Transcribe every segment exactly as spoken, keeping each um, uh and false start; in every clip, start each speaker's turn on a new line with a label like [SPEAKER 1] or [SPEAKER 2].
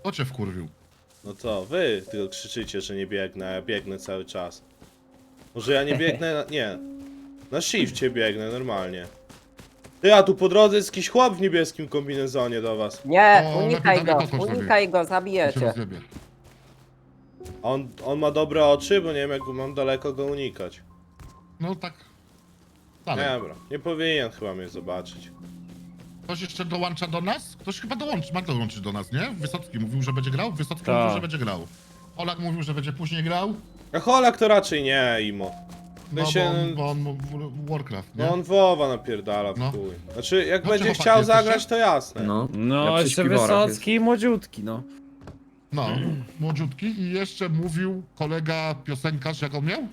[SPEAKER 1] Kto cię wkurwił?
[SPEAKER 2] No co, wy tylko krzyczycie, że nie biegnę, a ja biegnę cały czas. Może ja nie biegnę, na... nie. Na shifcie biegnę, normalnie. Ty, a tu po drodze jest jakiś chłop w niebieskim kombinezonie do was.
[SPEAKER 3] Nie,
[SPEAKER 1] O,
[SPEAKER 3] unikaj
[SPEAKER 1] lepiej tam
[SPEAKER 3] go,
[SPEAKER 1] nie podchodź,
[SPEAKER 3] unikaj go,
[SPEAKER 1] To się
[SPEAKER 3] zabijecie.
[SPEAKER 1] rozjebie.
[SPEAKER 2] A on, on ma dobre oczy, bo nie wiem jak mam daleko go unikać.
[SPEAKER 1] No tak. Dalej.
[SPEAKER 2] Dobra, nie powinien chyba mnie zobaczyć.
[SPEAKER 1] Ktoś jeszcze dołącza do nas? Ktoś chyba dołączy, ma dołączyć do nas, nie? Wysocki mówił, że będzie grał? Wysocki
[SPEAKER 4] Tak.
[SPEAKER 1] mówił, że będzie grał. Olak mówił, że będzie później grał.
[SPEAKER 2] A Holak to raczej nie, Imo.
[SPEAKER 1] No
[SPEAKER 2] się-
[SPEAKER 1] bo on, bo on mu- w- Warcraft, nie?
[SPEAKER 2] No on WoWa napierdala w
[SPEAKER 1] No.
[SPEAKER 2] chuj. Znaczy, jak
[SPEAKER 1] Dobrze,
[SPEAKER 2] będzie
[SPEAKER 1] chłopaki,
[SPEAKER 2] chciał
[SPEAKER 1] jesteście?
[SPEAKER 2] zagrać, to jasne.
[SPEAKER 5] No.
[SPEAKER 4] No,
[SPEAKER 5] Ja przy
[SPEAKER 4] jeszcze
[SPEAKER 5] śpiworach
[SPEAKER 4] Wysocki i młodziutki, no.
[SPEAKER 1] No, młodziutki i jeszcze mówił kolega piosenkarz, jak on miał?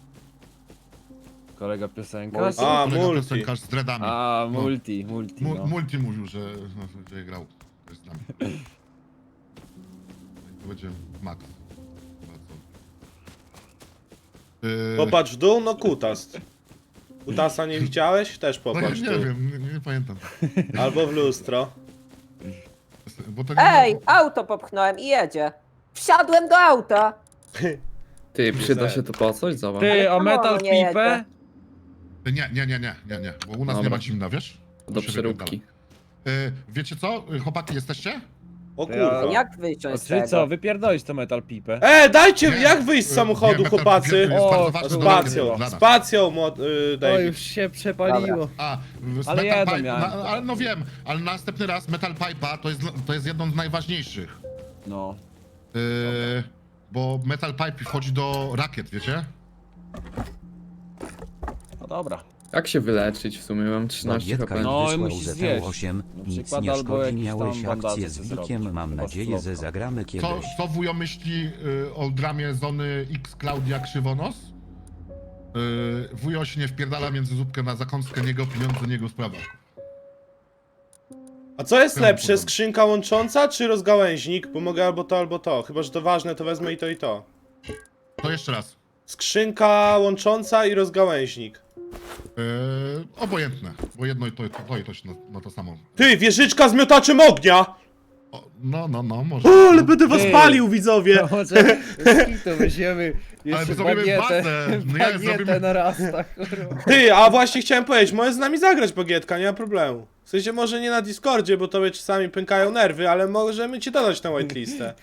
[SPEAKER 4] Kolega piosenkarz.
[SPEAKER 2] A,
[SPEAKER 1] Kolega
[SPEAKER 2] multi.
[SPEAKER 1] piosenkarz z dreadami.
[SPEAKER 4] A,
[SPEAKER 1] No.
[SPEAKER 4] multi, multi,
[SPEAKER 1] Mu,
[SPEAKER 4] no.
[SPEAKER 1] multi mówił, że no, będzie grał z nami. To będzie Max. Yy,
[SPEAKER 2] Popatrz w dół, no kutas. Kutasa nie widziałeś? Też
[SPEAKER 1] no, ja
[SPEAKER 2] popatrz w
[SPEAKER 1] nie
[SPEAKER 2] dół.
[SPEAKER 1] wiem, nie, nie pamiętam.
[SPEAKER 2] Albo w lustro.
[SPEAKER 1] Bo to nie
[SPEAKER 3] Ej, auto popchnąłem i jedzie. Wsiadłem do auta.
[SPEAKER 5] Ty, przyda się to po coś? Zobacz.
[SPEAKER 4] Ty, a
[SPEAKER 3] Ale
[SPEAKER 4] metal
[SPEAKER 3] czemu nie
[SPEAKER 4] pipę?
[SPEAKER 1] Nie, nie, nie, nie, nie, nie, bo u nas
[SPEAKER 5] Dobra.
[SPEAKER 1] nie ma zimna, wiesz? To
[SPEAKER 5] Do
[SPEAKER 1] się
[SPEAKER 5] przeróbki.
[SPEAKER 1] wypierdala. Yy, wiecie co? Yy, Chłopaki, jesteście?
[SPEAKER 2] O
[SPEAKER 4] To ja-
[SPEAKER 2] kurwa.
[SPEAKER 3] Jak wyciąć z
[SPEAKER 4] Czyli co,
[SPEAKER 3] tego?
[SPEAKER 4] wypierdolić to metal pipę?
[SPEAKER 2] E, dajcie,
[SPEAKER 1] Nie,
[SPEAKER 2] jak wyjść z
[SPEAKER 1] yy,
[SPEAKER 2] samochodu,
[SPEAKER 1] nie, metal
[SPEAKER 2] chłopacy?
[SPEAKER 1] pipier jest
[SPEAKER 4] O,
[SPEAKER 1] bardzo ważny do
[SPEAKER 2] Spacją,
[SPEAKER 1] dla nas.
[SPEAKER 2] spacją, mo- y,
[SPEAKER 4] O,
[SPEAKER 2] David.
[SPEAKER 4] już się przepaliło.
[SPEAKER 1] A, w- z
[SPEAKER 4] Ale
[SPEAKER 1] Metal
[SPEAKER 4] jedno
[SPEAKER 1] Pipe,
[SPEAKER 4] miałem.
[SPEAKER 1] na, ale no wiem, ale następny raz Metal Pipe'a to jest, to jest jedną z najważniejszych.
[SPEAKER 4] No.
[SPEAKER 1] Yy, bo Metal Pipe wchodzi do rakiet, wiecie?
[SPEAKER 4] No dobra.
[SPEAKER 5] Jak się wyleczyć w sumie? Mam trzynaście
[SPEAKER 6] Bagietka
[SPEAKER 5] HP.
[SPEAKER 4] No,
[SPEAKER 6] no, wysłał
[SPEAKER 4] musisz
[SPEAKER 6] Z
[SPEAKER 4] zjeść.
[SPEAKER 6] osiem.
[SPEAKER 4] Na
[SPEAKER 6] Nic
[SPEAKER 4] przykład
[SPEAKER 6] nie
[SPEAKER 4] albo
[SPEAKER 6] szkodzi,
[SPEAKER 4] jakiś
[SPEAKER 6] miałeś
[SPEAKER 4] tam bandaże
[SPEAKER 6] akcję z
[SPEAKER 4] sobie
[SPEAKER 6] Wikiem,
[SPEAKER 4] zrobić.
[SPEAKER 6] mam
[SPEAKER 4] Chyba
[SPEAKER 6] nadzieję, że
[SPEAKER 4] słodko.
[SPEAKER 6] zagramy
[SPEAKER 1] Co,
[SPEAKER 6] kiedyś.
[SPEAKER 1] co wujo myśli y, o dramie Zony X Klaudia Krzywonos? Y, wujo się nie wpierdala między zupkę na zakąskę, niego pieniądze, niego sprawa.
[SPEAKER 2] A co jest
[SPEAKER 1] Temu
[SPEAKER 2] lepsze,
[SPEAKER 1] podoba.
[SPEAKER 2] skrzynka łącząca czy rozgałęźnik? Bo mogę albo to, albo to. Chyba, że to ważne, to wezmę i to, i to.
[SPEAKER 1] To jeszcze raz.
[SPEAKER 2] Skrzynka łącząca i rozgałęźnik.
[SPEAKER 1] Y, obojętne, bo jedno i to, to, to i to się na, na to samo.
[SPEAKER 2] Ty, wieżyczka z miotaczem ognia!
[SPEAKER 1] O, no, no, no, może.
[SPEAKER 2] O, ale będę was
[SPEAKER 4] Ty.
[SPEAKER 2] palił, widzowie!
[SPEAKER 4] No może to weźmiemy jeszcze
[SPEAKER 1] my zrobimy
[SPEAKER 4] bagietę,
[SPEAKER 1] bazę. No ja
[SPEAKER 4] bagietę
[SPEAKER 1] zrobimy-
[SPEAKER 4] na raz, tak kurwa.
[SPEAKER 2] Ty, a właśnie chciałem powiedzieć, możesz z nami zagrać bagietka, nie ma problemu. W sensie może nie na Discordzie, bo tobie czasami pękają nerwy, ale możemy cię dodać na whitelistę.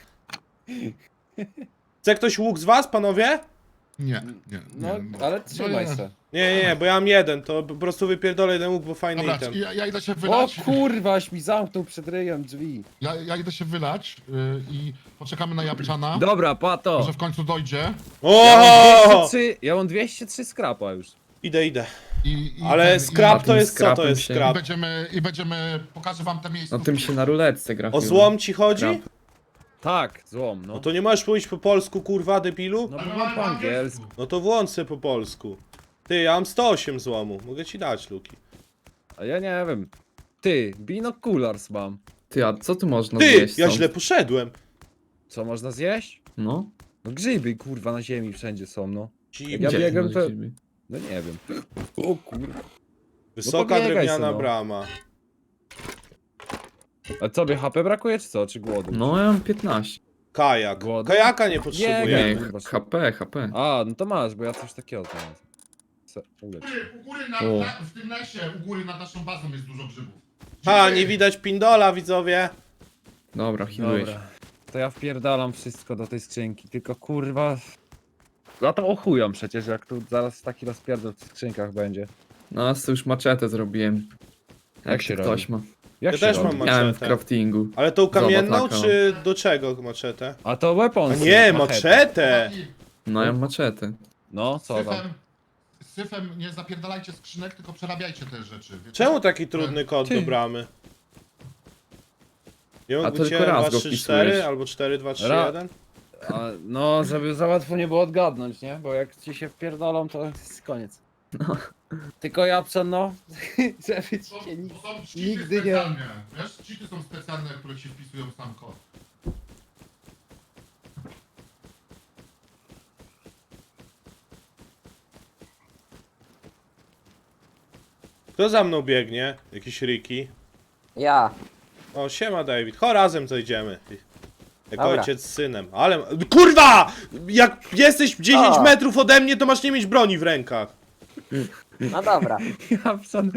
[SPEAKER 2] Chce ktoś łuk z was, panowie?
[SPEAKER 1] Nie, nie,
[SPEAKER 4] No,
[SPEAKER 1] nie.
[SPEAKER 4] ale trzymaj
[SPEAKER 1] nie.
[SPEAKER 4] się.
[SPEAKER 2] Nie, nie, nie, bo ja mam jeden, to po prostu wypierdolę jeden łuk, bo fajny
[SPEAKER 1] Dobra,
[SPEAKER 2] item.
[SPEAKER 1] ja, ja idę się
[SPEAKER 4] O
[SPEAKER 1] wylać.
[SPEAKER 4] kurwa, aś mi zamknął przed ryjem drzwi.
[SPEAKER 1] Ja, ja idę się wylać y, i poczekamy na Japczana.
[SPEAKER 4] Dobra, pato.
[SPEAKER 1] Może w końcu dojdzie.
[SPEAKER 4] Ja mam
[SPEAKER 2] O!
[SPEAKER 4] dwieście trzy, ja mam dwieście trzy skrapa już.
[SPEAKER 2] Idę, idę.
[SPEAKER 1] I, i
[SPEAKER 2] Ale
[SPEAKER 1] ten-
[SPEAKER 2] scrap
[SPEAKER 1] i,
[SPEAKER 2] to jest co? To
[SPEAKER 5] scrapem
[SPEAKER 2] jest
[SPEAKER 5] się-
[SPEAKER 1] i
[SPEAKER 2] scrap.
[SPEAKER 1] będziemy, i będziemy, pokażę wam te miejsca.
[SPEAKER 5] No tym się na ruletce gra.
[SPEAKER 2] O złom ci chodzi?
[SPEAKER 5] Scrap.
[SPEAKER 4] Tak, złom, no.
[SPEAKER 2] No to nie możesz mówić po polsku, kurwa, debilu?
[SPEAKER 4] No bo mam po angielsku.
[SPEAKER 2] No to włącz se po polsku. Ty, ja mam sto osiem złomu, mogę ci dać, Luki.
[SPEAKER 4] A ja nie wiem. Ty, binoculars mam.
[SPEAKER 5] Ty, a co tu można
[SPEAKER 2] Ty,
[SPEAKER 5] zjeść
[SPEAKER 2] ja
[SPEAKER 5] stąd?
[SPEAKER 2] źle poszedłem.
[SPEAKER 4] Co można zjeść?
[SPEAKER 5] No.
[SPEAKER 4] No grzyby, kurwa, na ziemi wszędzie są, no.
[SPEAKER 2] Dziwnie.
[SPEAKER 4] Ja
[SPEAKER 5] Gdzie
[SPEAKER 4] biegam
[SPEAKER 5] masz
[SPEAKER 4] pe-
[SPEAKER 5] grzyby?
[SPEAKER 4] No nie wiem. O kurwa.
[SPEAKER 2] Wysoka
[SPEAKER 4] pobiegaj
[SPEAKER 2] drewniana
[SPEAKER 4] se, no.
[SPEAKER 2] brama.
[SPEAKER 4] A tobie H P brakuje, czy co? Czy głodu?
[SPEAKER 5] No ja mam piętnaście.
[SPEAKER 2] Kajak.
[SPEAKER 4] Głodny?
[SPEAKER 2] Kajaka nie
[SPEAKER 4] Nie,
[SPEAKER 2] potrzebuję.
[SPEAKER 5] Nie,
[SPEAKER 4] kurwa,
[SPEAKER 5] H P, H P.
[SPEAKER 4] A, no to masz, bo ja coś takiego znalazłem. Se- ulecz.
[SPEAKER 1] U góry, na,
[SPEAKER 5] O.
[SPEAKER 1] na, w tym lesie, u góry nad naszą bazą jest dużo grzybów.
[SPEAKER 2] Ha, nie widać pindola, widzowie.
[SPEAKER 5] Dobra, healujesz.
[SPEAKER 4] Dobra. To ja wpierdalam wszystko do tej skrzynki, tylko kurwa... Ja to ochujam przecież, jak tu zaraz taki rozpierdol w skrzynkach będzie.
[SPEAKER 5] No, to już maczetę zrobiłem. Jak,
[SPEAKER 4] się
[SPEAKER 5] się ktoś ma.
[SPEAKER 4] Jak
[SPEAKER 2] Ja
[SPEAKER 4] się
[SPEAKER 2] też
[SPEAKER 4] robi?
[SPEAKER 2] mam
[SPEAKER 5] Miałem w
[SPEAKER 2] maczetę.
[SPEAKER 5] craftingu.
[SPEAKER 2] Ale tą kamienną,
[SPEAKER 5] Zobacz, taka.
[SPEAKER 2] czy do czego maczetę?
[SPEAKER 4] A to
[SPEAKER 2] A
[SPEAKER 4] weapons.
[SPEAKER 2] nie,
[SPEAKER 4] machete.
[SPEAKER 2] maczetę!
[SPEAKER 5] No, ja mam maczetę.
[SPEAKER 4] No, co tam?
[SPEAKER 1] Syfem, syfem nie zapierdalajcie skrzynek, tylko przerabiajcie te rzeczy. Wiecie?
[SPEAKER 2] Czemu taki trudny kod
[SPEAKER 4] Ty.
[SPEAKER 2] do bramy? Nie
[SPEAKER 5] A
[SPEAKER 2] mógł
[SPEAKER 5] to
[SPEAKER 2] być
[SPEAKER 5] tylko
[SPEAKER 2] jeden,
[SPEAKER 5] raz
[SPEAKER 2] dwa,
[SPEAKER 5] go
[SPEAKER 2] trzy,
[SPEAKER 5] wpisujesz.
[SPEAKER 2] cztery albo cztery, dwa, trzy,
[SPEAKER 4] Ra-
[SPEAKER 2] jeden?
[SPEAKER 4] A, no, żeby za łatwo nie było odgadnąć, nie? Bo jak ci się wpierdolą, to jest koniec.
[SPEAKER 5] No.
[SPEAKER 4] Tylko Japczan, no, żeby ci
[SPEAKER 1] To,
[SPEAKER 4] się nikt...
[SPEAKER 1] to są cheaty
[SPEAKER 4] nigdy nie-
[SPEAKER 1] specjalne. Wiesz, cheaty są specjalne, które ci wpisują sam kod.
[SPEAKER 2] Kto za mną biegnie? Jakiś Ricky.
[SPEAKER 3] Ja.
[SPEAKER 2] O, siema David. Cho, razem zejdziemy. Jak
[SPEAKER 3] Dobra.
[SPEAKER 2] ojciec z synem. Ale... Kurwa! Jak jesteś dziesięć
[SPEAKER 3] O.
[SPEAKER 2] metrów ode mnie, to masz nie mieć broni w rękach.
[SPEAKER 3] No dobra.
[SPEAKER 4] Japczan.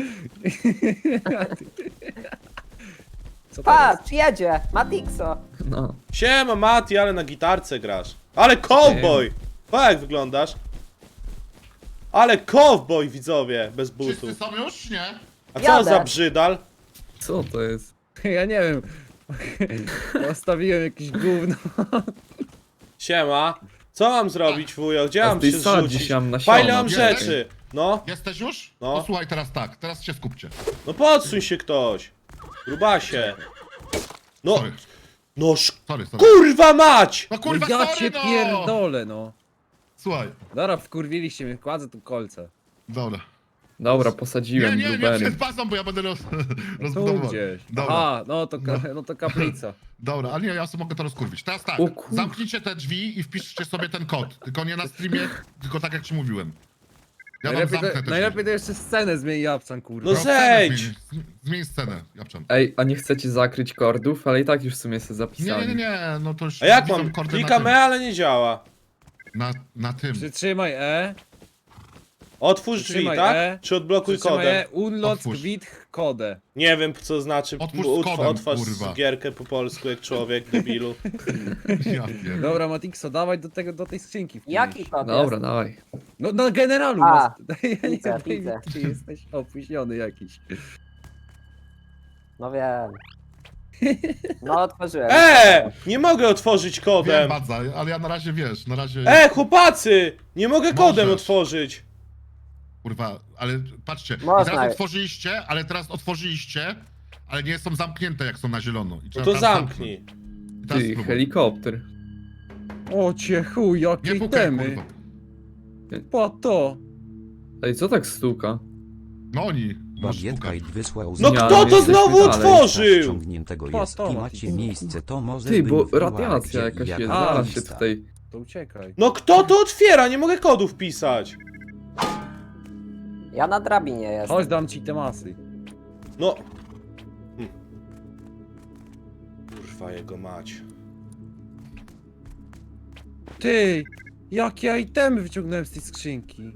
[SPEAKER 4] Co to jest?
[SPEAKER 3] Patrz, jedzie! Matixo!
[SPEAKER 5] No.
[SPEAKER 2] Siema Mati, ale na gitarce grasz. Ale cowboy! Pa jak wyglądasz? Ale cowboy, widzowie, bez butów.
[SPEAKER 1] Wszyscy są już? Nie?
[SPEAKER 2] A co
[SPEAKER 3] Jadę.
[SPEAKER 2] za brzydal?
[SPEAKER 5] Co to jest?
[SPEAKER 4] Ja nie wiem. Postawiłem jakieś gówno.
[SPEAKER 2] Siema. Co mam zrobić, wujo? Gdzie
[SPEAKER 5] A
[SPEAKER 2] mam
[SPEAKER 5] ty
[SPEAKER 2] się
[SPEAKER 5] sadzisz
[SPEAKER 2] rzucić?
[SPEAKER 5] tam na
[SPEAKER 2] Fajne
[SPEAKER 5] siono.
[SPEAKER 2] mam
[SPEAKER 1] Jesteś?
[SPEAKER 2] rzeczy. No,
[SPEAKER 1] Jesteś już?
[SPEAKER 2] No.
[SPEAKER 1] To słuchaj teraz tak, teraz się skupcie.
[SPEAKER 2] no podsuń się ktoś. Grubasie. No,
[SPEAKER 1] Sorry,
[SPEAKER 2] no sz...
[SPEAKER 1] sorry, sorry.
[SPEAKER 2] Kurwa mać!
[SPEAKER 1] No
[SPEAKER 4] No
[SPEAKER 1] kurwa,
[SPEAKER 4] ja
[SPEAKER 1] sorry
[SPEAKER 4] cię
[SPEAKER 1] no!
[SPEAKER 4] pierdolę, no.
[SPEAKER 1] Słuchaj,
[SPEAKER 4] Dobra, wkurwiliście mnie, kładzę tu kolce.
[SPEAKER 1] dobra.
[SPEAKER 5] Dobra,
[SPEAKER 1] Nie,
[SPEAKER 5] posadziłem
[SPEAKER 1] nie, nie
[SPEAKER 5] blueberry.
[SPEAKER 1] przed bazą, bo ja będę roz...
[SPEAKER 4] Tu
[SPEAKER 1] rozbudowywał.
[SPEAKER 4] gdzieś.
[SPEAKER 1] Dobra,
[SPEAKER 4] Aha, no to, ka no to kaplica.
[SPEAKER 1] dobra, ale nie, ja sobie mogę to rozkurwić. Teraz tak,
[SPEAKER 5] O kur-
[SPEAKER 1] zamknijcie te drzwi i wpiszcie sobie ten kod. Tylko nie na streamie, tylko tak jak ci mówiłem. Ja wam
[SPEAKER 4] Najlepiej,
[SPEAKER 1] zamknę
[SPEAKER 4] to,
[SPEAKER 1] te
[SPEAKER 4] najlepiej to jeszcze scenę zmieni Japczan, kurwa.
[SPEAKER 2] No
[SPEAKER 1] No, scenę
[SPEAKER 2] zejdź!
[SPEAKER 1] Zmień, zmień scenę, Japczan.
[SPEAKER 5] Ej, a nie chcecie zakryć kordów? Ale i tak już w sumie sobie
[SPEAKER 1] Nie,
[SPEAKER 5] zapisali.
[SPEAKER 1] nie, nie, nie, no to już
[SPEAKER 2] A jak
[SPEAKER 1] widzą
[SPEAKER 2] mam?
[SPEAKER 1] kordy
[SPEAKER 2] Klikam
[SPEAKER 1] na
[SPEAKER 2] E, ale nie działa.
[SPEAKER 1] tym. Na, na tym.
[SPEAKER 4] Przytrzymaj E.
[SPEAKER 2] Otwórz drzwi,
[SPEAKER 4] Przytrzymaj
[SPEAKER 2] tak?
[SPEAKER 4] E.
[SPEAKER 2] Czy odblokuj
[SPEAKER 4] Przytrzymaj
[SPEAKER 2] kodem?
[SPEAKER 4] E. Unlock
[SPEAKER 1] Otwórz.
[SPEAKER 4] with kode.
[SPEAKER 2] Nie wiem co znaczy
[SPEAKER 1] Otwórz z
[SPEAKER 2] utw-
[SPEAKER 1] kodem,
[SPEAKER 2] otwarz
[SPEAKER 1] kurwa.
[SPEAKER 2] gierkę po polsku jak człowiek, debilu.
[SPEAKER 1] Ja pierdolę.
[SPEAKER 4] Dobra, Matixo, dawaj do tego, do tej skrzynki. wpisz.
[SPEAKER 3] Jaki kod
[SPEAKER 5] Dobra,
[SPEAKER 3] jest?
[SPEAKER 5] dawaj.
[SPEAKER 4] No na generalu
[SPEAKER 3] A,
[SPEAKER 4] masz. Ja nie
[SPEAKER 3] widzę,
[SPEAKER 4] wiem,
[SPEAKER 3] widzę.
[SPEAKER 4] czy jesteś opóźniony jakiś.
[SPEAKER 3] No wiem. No otworzyłem.
[SPEAKER 2] E! Nie mogę otworzyć
[SPEAKER 1] Wiem,
[SPEAKER 2] kodem!
[SPEAKER 1] Badza, ale ja na razie, wiesz, na razie...
[SPEAKER 2] E, chłopacy! Nie mogę kodem
[SPEAKER 1] Możesz.
[SPEAKER 2] otworzyć!
[SPEAKER 1] Kurwa, ale patrzcie, i
[SPEAKER 3] Można.
[SPEAKER 1] teraz otworzyliście, ale teraz otworzyliście, ale nie są zamknięte jak są na zielono. I
[SPEAKER 2] No
[SPEAKER 1] trzeba
[SPEAKER 2] to
[SPEAKER 1] teraz
[SPEAKER 2] zamknij.
[SPEAKER 1] zamknąć. I teraz
[SPEAKER 5] Ty,
[SPEAKER 1] spróbuj.
[SPEAKER 5] helikopter.
[SPEAKER 4] O cię chuj,
[SPEAKER 1] Nie
[SPEAKER 4] jakie
[SPEAKER 1] pukaj,
[SPEAKER 4] temy.
[SPEAKER 1] kurwa.
[SPEAKER 4] Po to.
[SPEAKER 5] Ej, co tak stuka?
[SPEAKER 1] No oni, masz
[SPEAKER 6] Bagietka
[SPEAKER 1] pukać.
[SPEAKER 6] i wysłał
[SPEAKER 2] No
[SPEAKER 5] Nie,
[SPEAKER 2] kto
[SPEAKER 5] ale
[SPEAKER 2] to
[SPEAKER 5] jesteśmy
[SPEAKER 2] znowu
[SPEAKER 5] dalej.
[SPEAKER 2] otworzył?
[SPEAKER 6] Ściągniętego
[SPEAKER 4] Po
[SPEAKER 6] jest
[SPEAKER 4] to,
[SPEAKER 6] i
[SPEAKER 4] Mati.
[SPEAKER 6] macie miejsce, to może
[SPEAKER 5] Ty,
[SPEAKER 6] bym
[SPEAKER 5] bo
[SPEAKER 6] wbiła,
[SPEAKER 5] radiacja
[SPEAKER 6] gdzie
[SPEAKER 5] jakaś
[SPEAKER 6] i
[SPEAKER 5] jest,
[SPEAKER 6] jaka
[SPEAKER 5] zaraz się
[SPEAKER 6] lista.
[SPEAKER 5] tutaj...
[SPEAKER 4] To uciekaj.
[SPEAKER 2] No kto to otwiera? Nie mogę kodu wpisać.
[SPEAKER 3] Ja na drabinie jestem.
[SPEAKER 4] Chodź, dam ci te masy.
[SPEAKER 2] No. Hm. Kurwa jego mać.
[SPEAKER 4] Ty, jakie itemy wyciągnąłem z tej skrzynki.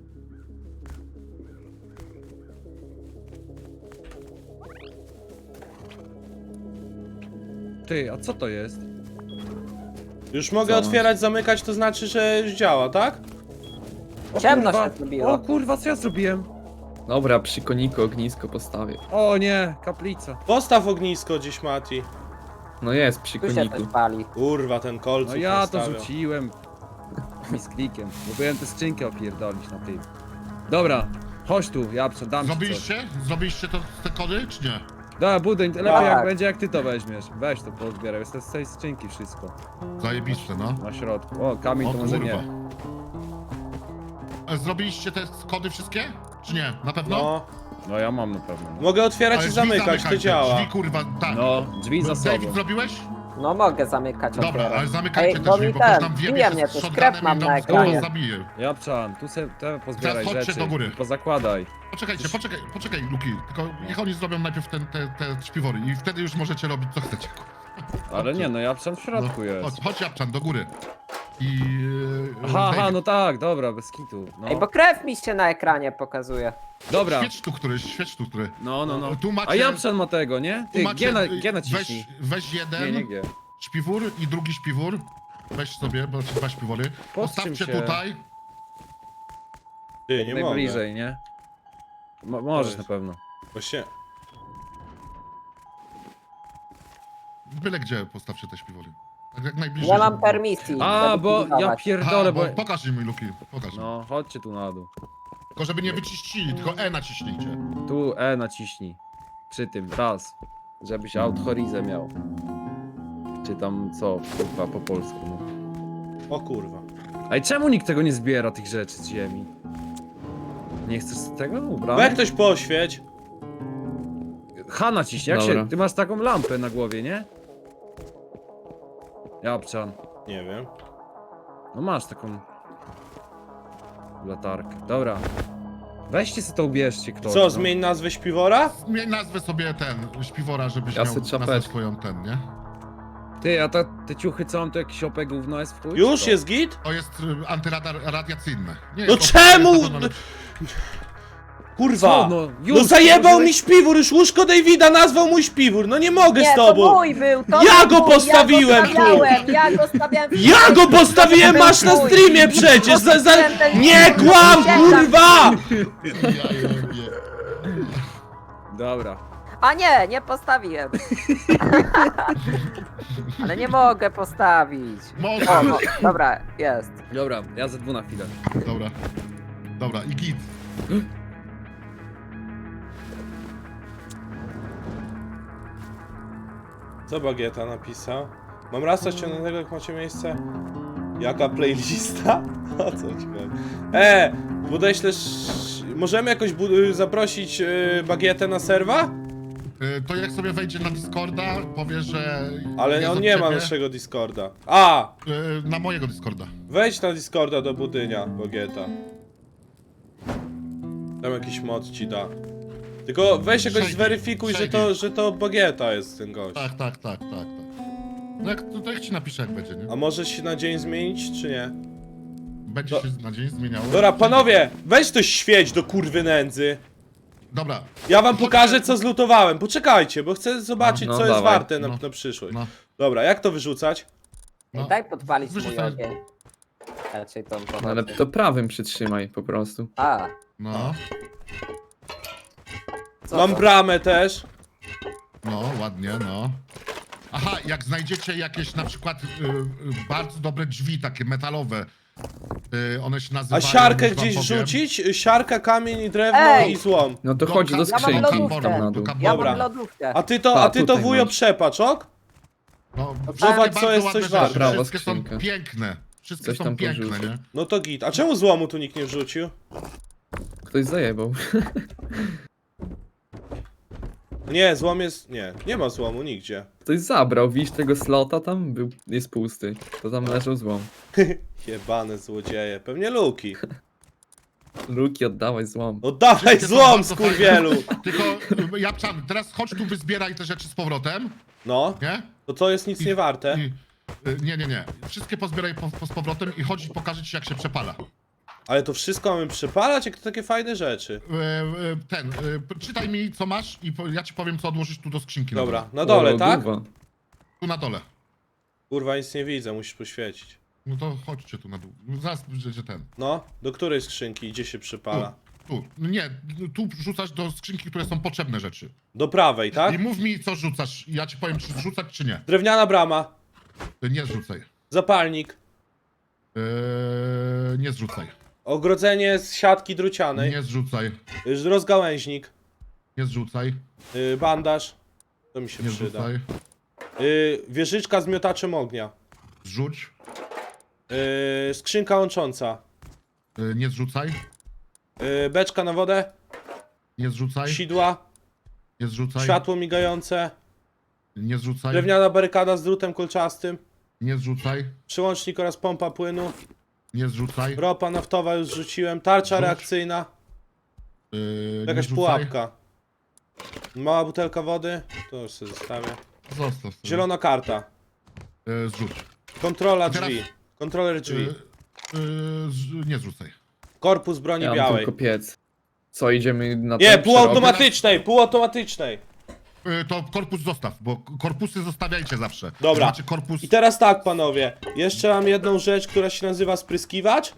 [SPEAKER 4] Ty, a co to jest?
[SPEAKER 2] Już mogę
[SPEAKER 5] Co
[SPEAKER 2] otwierać, zamykać, to znaczy, że już działa, tak?
[SPEAKER 4] O
[SPEAKER 3] Ciemno
[SPEAKER 4] kurwa,
[SPEAKER 3] się zrobiło.
[SPEAKER 4] O kurwa, co ja zrobiłem?
[SPEAKER 5] Dobra, przy koniku ognisko postawię.
[SPEAKER 4] O nie, kaplica.
[SPEAKER 2] Postaw ognisko gdzieś, Mati.
[SPEAKER 5] No jest, przy
[SPEAKER 3] Tu się
[SPEAKER 5] koniku.
[SPEAKER 3] coś pali.
[SPEAKER 2] Kurwa, ten kolców
[SPEAKER 4] No ja to
[SPEAKER 2] nastawiał.
[SPEAKER 4] rzuciłem. Mi z klikiem. Próbowałem tę skrzynkę opierdolić na tym. Dobra, chodź tu, ja dam ci coś.
[SPEAKER 1] Zrobiliście? Zrobiliście to, te kody, czy nie?
[SPEAKER 4] Dobra, budyń, lepiej
[SPEAKER 3] Tak.
[SPEAKER 4] jak będzie jak ty to weźmiesz. Weź to pozbieraj, jest to z tej skrzynki wszystko.
[SPEAKER 1] Zajebiste, no.
[SPEAKER 4] Na środku. O, kamień
[SPEAKER 1] O
[SPEAKER 4] to może
[SPEAKER 1] kurwa.
[SPEAKER 4] nie.
[SPEAKER 1] A zrobiliście te kody wszystkie? Czy nie? Na pewno?
[SPEAKER 2] No.
[SPEAKER 4] No ja mam na pewno. No,
[SPEAKER 2] Mogę otwierać
[SPEAKER 1] Ale
[SPEAKER 2] i
[SPEAKER 1] drzwi
[SPEAKER 2] zamykać, to
[SPEAKER 1] zamykajcie,
[SPEAKER 2] działa.
[SPEAKER 1] Drzwi, kurwa, tak.
[SPEAKER 4] no drzwi za
[SPEAKER 1] David,
[SPEAKER 4] sobą.
[SPEAKER 1] zrobiłeś?
[SPEAKER 3] No mogę zamykać,
[SPEAKER 1] Dobra,
[SPEAKER 3] otwieram.
[SPEAKER 1] ale zamykajcie
[SPEAKER 3] Ej,
[SPEAKER 1] te
[SPEAKER 3] bo
[SPEAKER 1] drzwi,
[SPEAKER 3] mi
[SPEAKER 1] bo ktoś
[SPEAKER 3] ten,
[SPEAKER 1] tam
[SPEAKER 3] bije
[SPEAKER 1] wiebie
[SPEAKER 3] mnie,
[SPEAKER 1] z
[SPEAKER 3] to
[SPEAKER 1] shotgunem
[SPEAKER 3] skrep mam
[SPEAKER 1] i
[SPEAKER 3] na
[SPEAKER 1] tam
[SPEAKER 3] ekranie.
[SPEAKER 1] kogoś zabije.
[SPEAKER 4] Japczan, tu se te pozbieraj
[SPEAKER 1] Teraz chodźcie
[SPEAKER 4] rzeczy.
[SPEAKER 1] do góry.
[SPEAKER 4] Pozakładaj.
[SPEAKER 1] Poczekajcie, poczekaj, poczekaj, Luki. Tylko niech oni zrobią najpierw ten, te, te śpiwory i wtedy już możecie robić co chcecie.
[SPEAKER 4] Ale nie, no Japczan w środku
[SPEAKER 1] No,
[SPEAKER 4] jest.
[SPEAKER 1] chodź, chodź Japczan, do góry. I... yy,
[SPEAKER 4] Aha, aha,
[SPEAKER 1] David,
[SPEAKER 4] no tak, dobra, bez kitu. No.
[SPEAKER 3] Ej, bo krew mi się na ekranie pokazuje.
[SPEAKER 4] Dobra,
[SPEAKER 1] Świeć tu któryś, świeć tu który.
[SPEAKER 4] no, no, no.
[SPEAKER 1] Tu macie...
[SPEAKER 4] A Japczan ma tego, nie?
[SPEAKER 1] tu
[SPEAKER 4] Ty,
[SPEAKER 1] macie,
[SPEAKER 4] G, na,
[SPEAKER 1] y,
[SPEAKER 4] G naciśnij.
[SPEAKER 1] Weź, weź jeden
[SPEAKER 4] Nie, nie G.
[SPEAKER 1] śpiwór i drugi śpiwór. Weź sobie, bo dwa śpiwory.
[SPEAKER 4] Podtrzym
[SPEAKER 1] Postawcie
[SPEAKER 4] się.
[SPEAKER 1] tutaj.
[SPEAKER 2] Ty, nie mogę.
[SPEAKER 4] Najbliżej, nie? Mo możesz
[SPEAKER 2] To
[SPEAKER 4] na
[SPEAKER 2] jest-
[SPEAKER 4] pewno.
[SPEAKER 2] Właśnie.
[SPEAKER 1] Byle gdzie postawcie te śpiwory. Tak jak najbliżej.
[SPEAKER 3] Nie mam
[SPEAKER 1] żeby-
[SPEAKER 3] permisji.
[SPEAKER 4] A,
[SPEAKER 3] żeby
[SPEAKER 4] bo ja
[SPEAKER 3] pilnować.
[SPEAKER 4] pierdolę,
[SPEAKER 1] Aha,
[SPEAKER 4] bo...
[SPEAKER 1] bo pokaż mi Luki, pokaż.
[SPEAKER 4] No, chodźcie tu na dół.
[SPEAKER 1] Tylko żeby nie wyciścili, tylko E naciśnijcie.
[SPEAKER 4] Tu E naciśnij. Przy tym, raz. Żebyś out horizę miał. Czy tam co, kurwa, po polsku. No.
[SPEAKER 2] O kurwa.
[SPEAKER 4] Ej, czemu nikt tego nie zbiera, tych rzeczy z ziemi? Nie chcesz tego
[SPEAKER 2] Weź
[SPEAKER 4] ubrać?
[SPEAKER 2] ktoś poświeć.
[SPEAKER 4] H naciśnij, jak
[SPEAKER 5] Dobra.
[SPEAKER 4] się... Ty masz taką lampę na głowie, nie? Japczan.
[SPEAKER 2] Nie wiem.
[SPEAKER 4] No masz taką... latarkę. Dobra. Weźcie sobie to ubierzcie ktoś.
[SPEAKER 2] Co,
[SPEAKER 4] no.
[SPEAKER 2] zmień nazwę śpiwora?
[SPEAKER 1] Zmień nazwę sobie ten, śpiwora, żebyś
[SPEAKER 5] Ja
[SPEAKER 1] miał
[SPEAKER 5] se
[SPEAKER 1] nazwę
[SPEAKER 5] czapeczkę.
[SPEAKER 1] swoją ten, nie?
[SPEAKER 4] Ty, a ta, te ciuchy co mam, to jakiś opek gówno jest w chuj?
[SPEAKER 2] Już
[SPEAKER 4] czy to?
[SPEAKER 2] jest git?
[SPEAKER 1] To jest y, antyradiacyjne. Nie
[SPEAKER 2] No
[SPEAKER 1] jest to-
[SPEAKER 2] czemu?
[SPEAKER 1] jest to- to-
[SPEAKER 2] Kurwa!
[SPEAKER 4] Co,
[SPEAKER 2] No,
[SPEAKER 4] no, już
[SPEAKER 2] zajebał
[SPEAKER 4] położyłeś-
[SPEAKER 2] mi śpiwór, już łóżko Davida nazwał mój śpiwór, no nie mogę
[SPEAKER 3] Nie,
[SPEAKER 2] z
[SPEAKER 3] to
[SPEAKER 2] tobą!
[SPEAKER 3] mój był, to
[SPEAKER 2] Ja
[SPEAKER 3] był
[SPEAKER 2] go
[SPEAKER 3] mój,
[SPEAKER 2] postawiłem
[SPEAKER 3] ja
[SPEAKER 2] tu.
[SPEAKER 3] go stawiałem, ja go stawiałem. w
[SPEAKER 2] Ja go
[SPEAKER 3] środku,
[SPEAKER 2] postawiłem,
[SPEAKER 3] to był
[SPEAKER 2] masz na
[SPEAKER 3] mój.
[SPEAKER 2] streamie przecież! Za, za...
[SPEAKER 3] Postawiłem ten-
[SPEAKER 2] Nie kłam, kurwa!
[SPEAKER 1] Ja jebie.
[SPEAKER 4] Dobra.
[SPEAKER 3] A nie, nie postawiłem. Ale nie mogę postawić.
[SPEAKER 1] Może.
[SPEAKER 3] O, o, dobra, jest.
[SPEAKER 4] Dobra, ja ze dwu na chwilę.
[SPEAKER 1] Dobra. Dobra, i git.
[SPEAKER 2] Co Bagieta napisał? Mam rasa ściągniętego, jak macie miejsce? Jaka playlista? O co ci chodzi? E, podeślesz... Możemy jakoś bu- zaprosić yy, Bagietę na serwa?
[SPEAKER 1] Y, To jak sobie wejdzie na Discorda, powie, że...
[SPEAKER 2] Ale
[SPEAKER 1] jest
[SPEAKER 2] on
[SPEAKER 1] od
[SPEAKER 2] nie ma
[SPEAKER 1] ciebie,
[SPEAKER 2] naszego Discorda. A!
[SPEAKER 1] y, Na mojego Discorda.
[SPEAKER 2] Wejdź na Discorda do budynia, Bagieta. Tam jakiś mod ci da. Tylko weź jakoś
[SPEAKER 1] Shady,
[SPEAKER 2] zweryfikuj, że
[SPEAKER 1] shady.
[SPEAKER 2] to, że to Bagieta jest ten gość.
[SPEAKER 1] Tak, tak, tak, tak, tak. No jak, to, to jak ci napiszę, jak będzie, nie?
[SPEAKER 2] A może się na dzień zmienić, czy nie?
[SPEAKER 1] Będzie
[SPEAKER 2] Do-
[SPEAKER 1] się na dzień zmieniało.
[SPEAKER 2] Dobra, panowie, weź to świeć do kurwy nędzy.
[SPEAKER 1] Dobra,
[SPEAKER 2] Ja wam pokażę, co zlutowałem. Poczekajcie, bo chcę zobaczyć,
[SPEAKER 5] No, no,
[SPEAKER 2] co jest
[SPEAKER 5] dawaj.
[SPEAKER 2] warte na,
[SPEAKER 1] No.
[SPEAKER 2] na przyszłość.
[SPEAKER 1] no.
[SPEAKER 2] Dobra, jak to wyrzucać?
[SPEAKER 1] No.
[SPEAKER 3] Daj podpalić mój
[SPEAKER 1] Wyrzucaj.
[SPEAKER 3] ogień. Raczej tą
[SPEAKER 5] No, ale
[SPEAKER 3] pochodnię.
[SPEAKER 5] to prawym przytrzymaj po prostu.
[SPEAKER 3] A,
[SPEAKER 1] No,
[SPEAKER 3] co
[SPEAKER 2] Mam
[SPEAKER 3] to?
[SPEAKER 2] bramę też.
[SPEAKER 1] no, ładnie, no. Aha, jak znajdziecie jakieś na przykład y, y, bardzo dobre drzwi, takie metalowe, y, one się
[SPEAKER 2] A
[SPEAKER 1] nazywają...
[SPEAKER 2] siarkę
[SPEAKER 1] już wam
[SPEAKER 2] gdzieś
[SPEAKER 1] powiem.
[SPEAKER 2] wrzucić? Siarka, kamień i drewno
[SPEAKER 3] Ej!
[SPEAKER 2] i złom.
[SPEAKER 5] No to
[SPEAKER 1] No,
[SPEAKER 5] chodź do
[SPEAKER 1] ja
[SPEAKER 3] mam
[SPEAKER 5] skrzynki.
[SPEAKER 3] lodówkę.
[SPEAKER 5] Tam na dół.
[SPEAKER 3] Ja
[SPEAKER 2] Dobra.
[SPEAKER 3] mam lodówkę.
[SPEAKER 2] A ty to,
[SPEAKER 5] A,
[SPEAKER 2] a ty to
[SPEAKER 5] tutaj
[SPEAKER 2] wujo
[SPEAKER 5] masz.
[SPEAKER 2] przepacz, ok?
[SPEAKER 1] No,
[SPEAKER 3] Zobacz,
[SPEAKER 1] wszystkie
[SPEAKER 2] co
[SPEAKER 1] bardzo
[SPEAKER 2] jest
[SPEAKER 1] ładne
[SPEAKER 2] coś
[SPEAKER 1] rzeczy,
[SPEAKER 2] warte.
[SPEAKER 5] Prawa
[SPEAKER 1] Wszystkie są
[SPEAKER 5] skrzynka.
[SPEAKER 1] piękne. Wszystkie
[SPEAKER 5] Coś
[SPEAKER 1] są
[SPEAKER 5] tam
[SPEAKER 1] piękne,
[SPEAKER 5] porzucił.
[SPEAKER 1] nie?
[SPEAKER 2] No to git. A czemu złomu tu nikt nie wrzucił?
[SPEAKER 5] Ktoś zajebał.
[SPEAKER 2] Nie, złom jest... Nie, nie ma złomu nigdzie.
[SPEAKER 5] Ktoś zabrał, widzisz tego slota tam? Był, jest pusty. To tam leżał złom.
[SPEAKER 2] Jebane złodzieje. Pewnie Luki.
[SPEAKER 5] Luki, oddawaj złom.
[SPEAKER 2] Oddawaj
[SPEAKER 1] Wszystkie są
[SPEAKER 2] złom,
[SPEAKER 1] bardzo
[SPEAKER 2] skurwielu!
[SPEAKER 1] fajne. Tylko, y, Japczan, teraz chodź tu, wyzbieraj te rzeczy z powrotem,
[SPEAKER 2] No,
[SPEAKER 1] nie?
[SPEAKER 2] to to jest nic nie warte.
[SPEAKER 1] I, y, nie, nie, nie. Wszystkie pozbieraj po, po, z powrotem i chodź i pokażę ci, jak się przepala.
[SPEAKER 2] Ale to wszystko mamy przypalać? Jak to takie fajne rzeczy?
[SPEAKER 1] Y, y, ten, y, czytaj mi, co masz i po, ja ci powiem, co odłożyć tu do skrzynki. na
[SPEAKER 2] Dobra,
[SPEAKER 1] dole.
[SPEAKER 2] na dole,
[SPEAKER 5] O,
[SPEAKER 2] tak?
[SPEAKER 5] lodówa.
[SPEAKER 1] Tu na dole.
[SPEAKER 2] Kurwa, nic nie widzę, musisz poświecić.
[SPEAKER 1] No to chodźcie tu na dół. No zaraz, że, że ten.
[SPEAKER 2] No, do której skrzynki? Gdzie się przypala?
[SPEAKER 1] Tu. No nie, tu rzucasz do skrzynki, które są potrzebne rzeczy.
[SPEAKER 2] Do prawej, tak?
[SPEAKER 1] I mów mi, co rzucasz. Ja ci powiem, czy rzucać, czy nie.
[SPEAKER 2] Drewniana brama,
[SPEAKER 1] Y, Nie zrzucaj.
[SPEAKER 2] zapalnik,
[SPEAKER 1] Yy, nie zrzucaj.
[SPEAKER 2] ogrodzenie z siatki drucianej,
[SPEAKER 1] Nie zrzucaj.
[SPEAKER 2] y, rozgałęźnik,
[SPEAKER 1] Nie zrzucaj.
[SPEAKER 2] y, bandaż, to mi się
[SPEAKER 1] Nie
[SPEAKER 2] przyda,
[SPEAKER 1] zrzucaj.
[SPEAKER 2] y, wieżyczka z miotaczem ognia,
[SPEAKER 1] Zrzuć.
[SPEAKER 2] y, skrzynka łącząca,
[SPEAKER 1] Yy, nie zrzucaj.
[SPEAKER 2] y, beczka na wodę,
[SPEAKER 1] Nie zrzucaj.
[SPEAKER 2] sidła,
[SPEAKER 1] Nie zrzucaj.
[SPEAKER 2] światło migające,
[SPEAKER 1] Nie zrzucaj.
[SPEAKER 2] drewniana barykada z drutem kolczastym,
[SPEAKER 1] Nie zrzucaj.
[SPEAKER 2] przyłącznik oraz pompa płynu,
[SPEAKER 1] Nie zrzucaj.
[SPEAKER 2] ropa naftowa już rzuciłem, tarcza
[SPEAKER 1] Rzuć.
[SPEAKER 2] reakcyjna,
[SPEAKER 1] Yy, nie
[SPEAKER 2] jakaś
[SPEAKER 1] zrzucaj.
[SPEAKER 2] pułapka, mała butelka wody, to już sobie zostawię,
[SPEAKER 1] Zostaw sobie.
[SPEAKER 2] zielona karta,
[SPEAKER 1] Yy, zrzuć.
[SPEAKER 2] kontrola
[SPEAKER 1] Teraz-
[SPEAKER 2] drzwi, kontroler drzwi,
[SPEAKER 1] Yy, yy, z, nie zrzucaj.
[SPEAKER 2] korpus broni
[SPEAKER 5] Ja mam
[SPEAKER 2] białej.
[SPEAKER 5] tylko piec. Co, idziemy na
[SPEAKER 2] Nie,
[SPEAKER 5] ten
[SPEAKER 2] półautomatycznej, półautomatycznej.
[SPEAKER 1] Yy, to korpus zostaw, bo korpusy zostawiajcie zawsze.
[SPEAKER 2] Dobra.
[SPEAKER 1] Macie korpus...
[SPEAKER 2] I teraz tak, panowie, jeszcze mam jedną rzecz, która się nazywa spryskiwacz.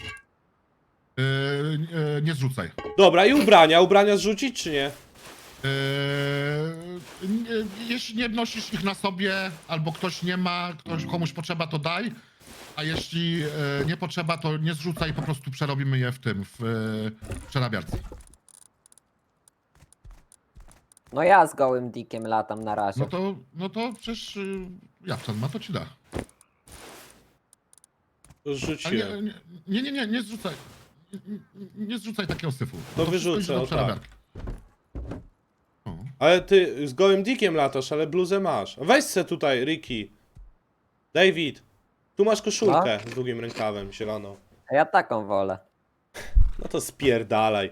[SPEAKER 1] Yy, yy, nie zrzucaj.
[SPEAKER 2] Dobra, i ubrania, ubrania zrzucić czy nie?
[SPEAKER 1] Yy, nie- jeśli nie nosisz ich na sobie, albo ktoś nie ma, ktoś, komuś potrzeba, to daj. A jeśli yy, nie potrzeba, to nie zrzucaj, po prostu przerobimy je w tym, w yy, przerabiarce.
[SPEAKER 3] No ja z gołym dikiem latam na razie.
[SPEAKER 1] No to, no to przecież yy, Japczan ma, to ci da.
[SPEAKER 2] Już
[SPEAKER 1] Ale
[SPEAKER 2] rzuciłem.
[SPEAKER 1] nie, nie, nie, nie, nie zrzucaj. Nie, nie, nie zrzucaj takiego syfu.
[SPEAKER 2] To
[SPEAKER 1] wszystko
[SPEAKER 2] wyrzucę,
[SPEAKER 1] idzie do
[SPEAKER 2] o tak.
[SPEAKER 1] przerabiarki. O.
[SPEAKER 2] Ale ty z gołym dikiem latasz, ale bluzę masz. Weź se tutaj, Ricky. David, tu masz koszulkę z długim rękawem, zieloną.
[SPEAKER 3] A ja taką wolę.
[SPEAKER 2] No to spierdalaj.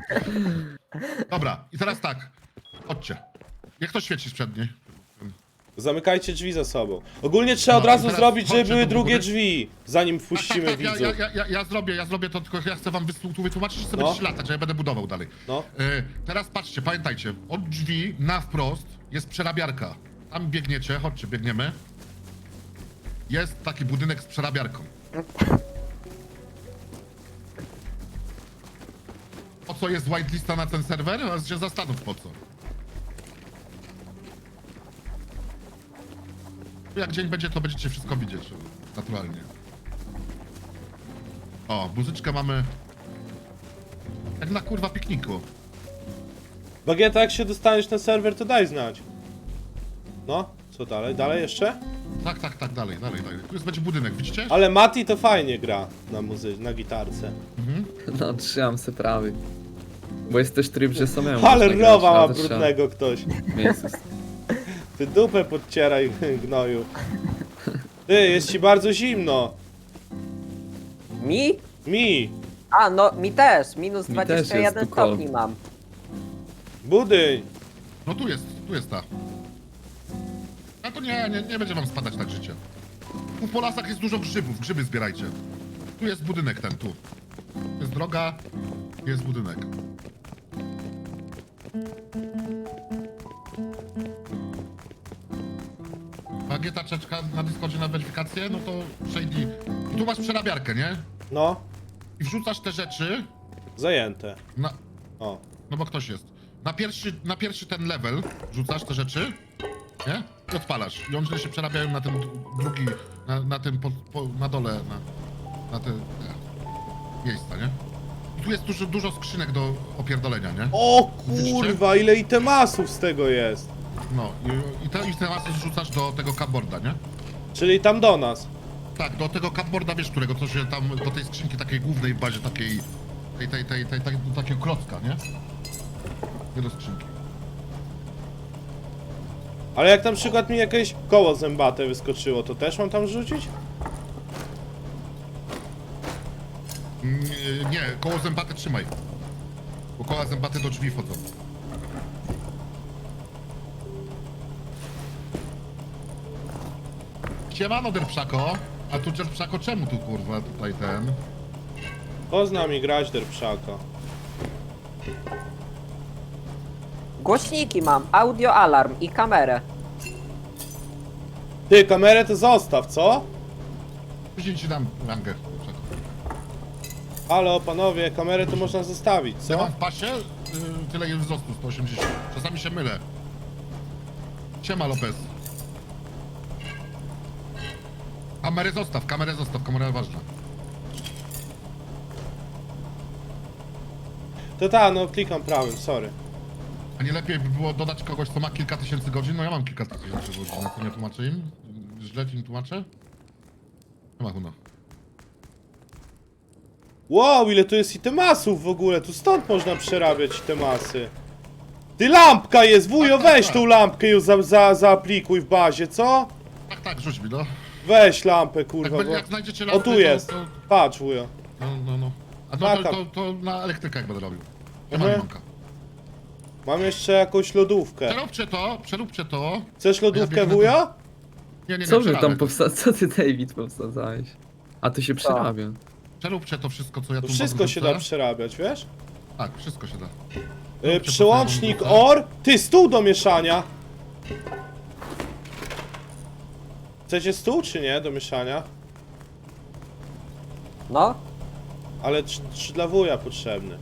[SPEAKER 1] Dobra, i teraz tak. Chodźcie. Jak to świeci sprzed niej?
[SPEAKER 2] Zamykajcie drzwi za sobą. Ogólnie trzeba
[SPEAKER 1] No,
[SPEAKER 2] od
[SPEAKER 1] i
[SPEAKER 2] razu
[SPEAKER 1] teraz
[SPEAKER 2] zrobić, żeby
[SPEAKER 1] chodźcie
[SPEAKER 2] były
[SPEAKER 1] do
[SPEAKER 2] drugie
[SPEAKER 1] góry.
[SPEAKER 2] drzwi, zanim
[SPEAKER 1] Tak,
[SPEAKER 2] wpuścimy
[SPEAKER 1] tak, tak, ja,
[SPEAKER 2] widzów.
[SPEAKER 1] ja, ja, ja zrobię, ja zrobię to, tylko ja chcę wam wys- tu wytłumaczyć, że sobie
[SPEAKER 2] No.
[SPEAKER 1] będziecie latać, że ja będę budował dalej.
[SPEAKER 2] No.
[SPEAKER 1] E, teraz patrzcie, pamiętajcie, od drzwi na wprost jest przerabiarka. Tam biegniecie, chodźcie, biegniemy. Jest taki budynek z przerabiarką. Po co jest whitelista na ten serwer? A się zastanów po co. Jak dzień będzie, to będziecie wszystko widzieć, naturalnie. O, muzyczkę mamy... Jak na kurwa pikniku.
[SPEAKER 2] Bagieta, jak się dostaniesz na serwer, to daj znać. No, co dalej? Dalej jeszcze?
[SPEAKER 1] Tak, tak, tak, dalej, dalej, dalej. Tu jest będzie budynek, widzicie?
[SPEAKER 2] Ale Mati to fajnie gra na muzy na gitarce.
[SPEAKER 5] No, trzymam se prawy. Bo jest też tryb, że samemu
[SPEAKER 2] Ale
[SPEAKER 5] można grać,
[SPEAKER 2] rowa ma
[SPEAKER 5] ale trzeba
[SPEAKER 2] brudnego ktoś.
[SPEAKER 5] miejsce.
[SPEAKER 2] Ty dupę podcieraj, gnoju. Ty, jest ci bardzo zimno.
[SPEAKER 3] Mi?
[SPEAKER 2] Mi,
[SPEAKER 3] A, no mi też. Minus
[SPEAKER 5] Mi
[SPEAKER 3] dwadzieścia
[SPEAKER 5] też jest
[SPEAKER 3] jeden
[SPEAKER 5] tu cold.
[SPEAKER 3] stopni mam.
[SPEAKER 2] budyń.
[SPEAKER 1] No tu jest, tu jest ta. A to nie, nie, nie będzie wam spadać tak życie. Tu po lasach jest dużo grzybów, grzyby zbierajcie. Tu jest budynek ten, tu. Tu jest droga, tu jest budynek. Bagieta czeczka na Discordzie na weryfikację, no to przejdzie. Tu masz przerabiarkę, nie?
[SPEAKER 2] No,
[SPEAKER 1] I wrzucasz te rzeczy
[SPEAKER 2] zajęte.
[SPEAKER 1] na...
[SPEAKER 2] O.
[SPEAKER 1] No bo ktoś jest. Na pierwszy, na pierwszy ten level rzucasz te rzeczy, nie? I odpalasz. I one się przerabiają na ten drugi, na, na tym, po, po, na dole, na, na te, te miejsca, nie? I tu jest dużo, dużo skrzynek do opierdolenia, nie?
[SPEAKER 2] O
[SPEAKER 1] Widzicie?
[SPEAKER 2] kurwa, ile itemasów z tego jest.
[SPEAKER 1] No i, i, te, i te masy zrzucasz do tego cupboarda, nie?
[SPEAKER 2] Czyli tam do nas.
[SPEAKER 1] Tak, do tego cupboarda, wiesz którego, co się tam, do tej skrzynki takiej głównej w bazie, takiej, tej, tej, tej, tej, tej do takiego klocka, nie? Nie do skrzynki.
[SPEAKER 2] Ale jak na przykład mi jakieś koło zębate wyskoczyło, to też mam tam rzucić?
[SPEAKER 1] Nie, nie, koło zębaty trzymaj. Bo koła zębaty do drzwi wchodzą. Siemano, Derpszako. A tu Derpszako, czemu tu kurwa tutaj ten?
[SPEAKER 2] Po z nami grać, derpszaka.
[SPEAKER 3] Głośniki mam, audio alarm i kamerę.
[SPEAKER 2] Ty, kamerę to zostaw, co?
[SPEAKER 1] Później ci dam rangę. Derpszako.
[SPEAKER 2] Halo, panowie, kamerę to można zostawić,
[SPEAKER 1] Ja
[SPEAKER 2] co?
[SPEAKER 1] mam w pasie y, tyle jest wzrostu, sto osiemdziesiąt. Czasami się mylę. Siema, Lopez. Kamerę zostaw, kamerę zostaw, kamera ważna.
[SPEAKER 2] To ta, no klikam prawym, sorry.
[SPEAKER 1] A nie lepiej by było dodać kogoś, kto ma kilka tysięcy godzin? No ja mam kilka tysięcy godzin, a to nie tłumaczę im? Źle im tłumaczę? Nie ma chuno.
[SPEAKER 2] Wow, ile tu jest itemasów w ogóle, tu stąd można przerabiać itemasy. Ty, lampka jest, wujo,
[SPEAKER 1] Tak, tak,
[SPEAKER 2] weź
[SPEAKER 1] tak.
[SPEAKER 2] tą lampkę już za, za, zaaplikuj w bazie, co?
[SPEAKER 1] Tak, tak, rzuć mi, no.
[SPEAKER 2] Weź lampę,
[SPEAKER 1] Jak,
[SPEAKER 2] kurwa,
[SPEAKER 1] będzie,
[SPEAKER 2] bo...
[SPEAKER 1] jak znajdziecie
[SPEAKER 2] O,
[SPEAKER 1] lampy,
[SPEAKER 2] tu
[SPEAKER 1] to-
[SPEAKER 2] jest.
[SPEAKER 1] To,
[SPEAKER 2] Patrz, wujo.
[SPEAKER 1] no, no, no. A no, to,
[SPEAKER 2] Taka.
[SPEAKER 1] to, to na elektrykę jak będę robił. Nie ma
[SPEAKER 2] Mhm.
[SPEAKER 1] limonka.
[SPEAKER 2] Mam jeszcze jakąś lodówkę.
[SPEAKER 1] Przeróbcie to, przeróbcie to.
[SPEAKER 2] Chcesz lodówkę,
[SPEAKER 1] biegnę
[SPEAKER 2] wujo?
[SPEAKER 1] Nie, nie, nie,
[SPEAKER 5] Co wy tam
[SPEAKER 1] przerabiaj.
[SPEAKER 5] powsta... Co ty, David, powsadzałeś? A to się przerabia.
[SPEAKER 1] Przeróbcie to wszystko, co ja
[SPEAKER 2] To
[SPEAKER 1] tu
[SPEAKER 2] wszystko
[SPEAKER 1] wam
[SPEAKER 2] się
[SPEAKER 1] wrzucę.
[SPEAKER 2] da przerabiać, wiesz?
[SPEAKER 1] Tak, wszystko się da.
[SPEAKER 2] Yy,
[SPEAKER 1] to,
[SPEAKER 2] przełącznik
[SPEAKER 1] co ja wam
[SPEAKER 2] O R. Ty, stół do mieszania. Chcecie stół czy nie do mieszania?
[SPEAKER 3] No,
[SPEAKER 2] Ale czy, czy dla wuja potrzebny?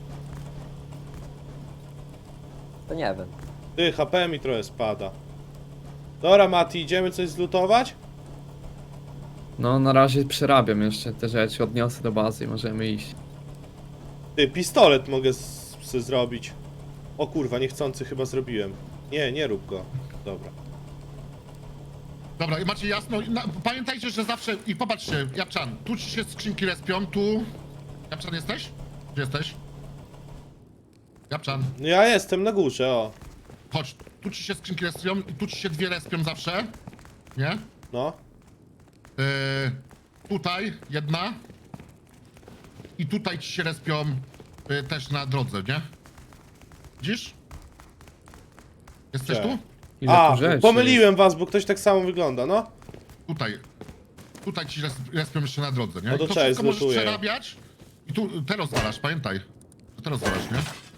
[SPEAKER 3] to nie wiem.
[SPEAKER 2] Ty, H P mi trochę spada. Dobra, Mati, idziemy coś zlutować?
[SPEAKER 5] No, na razie przerabiam jeszcze te rzeczy, odniosę do bazy i możemy iść.
[SPEAKER 2] Ty, pistolet mogę s- se zrobić. O kurwa, niechcący chyba zrobiłem. Nie, nie rób go. Dobra.
[SPEAKER 1] Dobra, i macie jasno. Na, pamiętajcie, że zawsze. I popatrzcie, Japczan, tu ci się skrzynki respią, tu. Japczan jesteś? Gdzie jesteś? Japczan,
[SPEAKER 2] No ja jestem na górze, o.
[SPEAKER 1] chodź. Tu ci się skrzynki respią i tu ci się dwie respią zawsze. Nie?
[SPEAKER 2] No.
[SPEAKER 1] Yy, tutaj jedna. I tutaj ci się respią yy, też na drodze, nie? Widzisz? Jesteś
[SPEAKER 2] Gdzie?
[SPEAKER 1] tu?
[SPEAKER 5] Ile
[SPEAKER 2] A,
[SPEAKER 5] tu rzeczy
[SPEAKER 2] pomyliłem was, bo ktoś tak samo wygląda, no.
[SPEAKER 1] Tutaj. Tutaj ci res- respią jeszcze na drodze, nie?
[SPEAKER 2] No to
[SPEAKER 1] I to
[SPEAKER 2] cześć,
[SPEAKER 1] wszystko możesz
[SPEAKER 2] zlutuję.
[SPEAKER 1] przerabiać. I tu te rozwalasz, pamiętaj. To te rozwalasz, nie?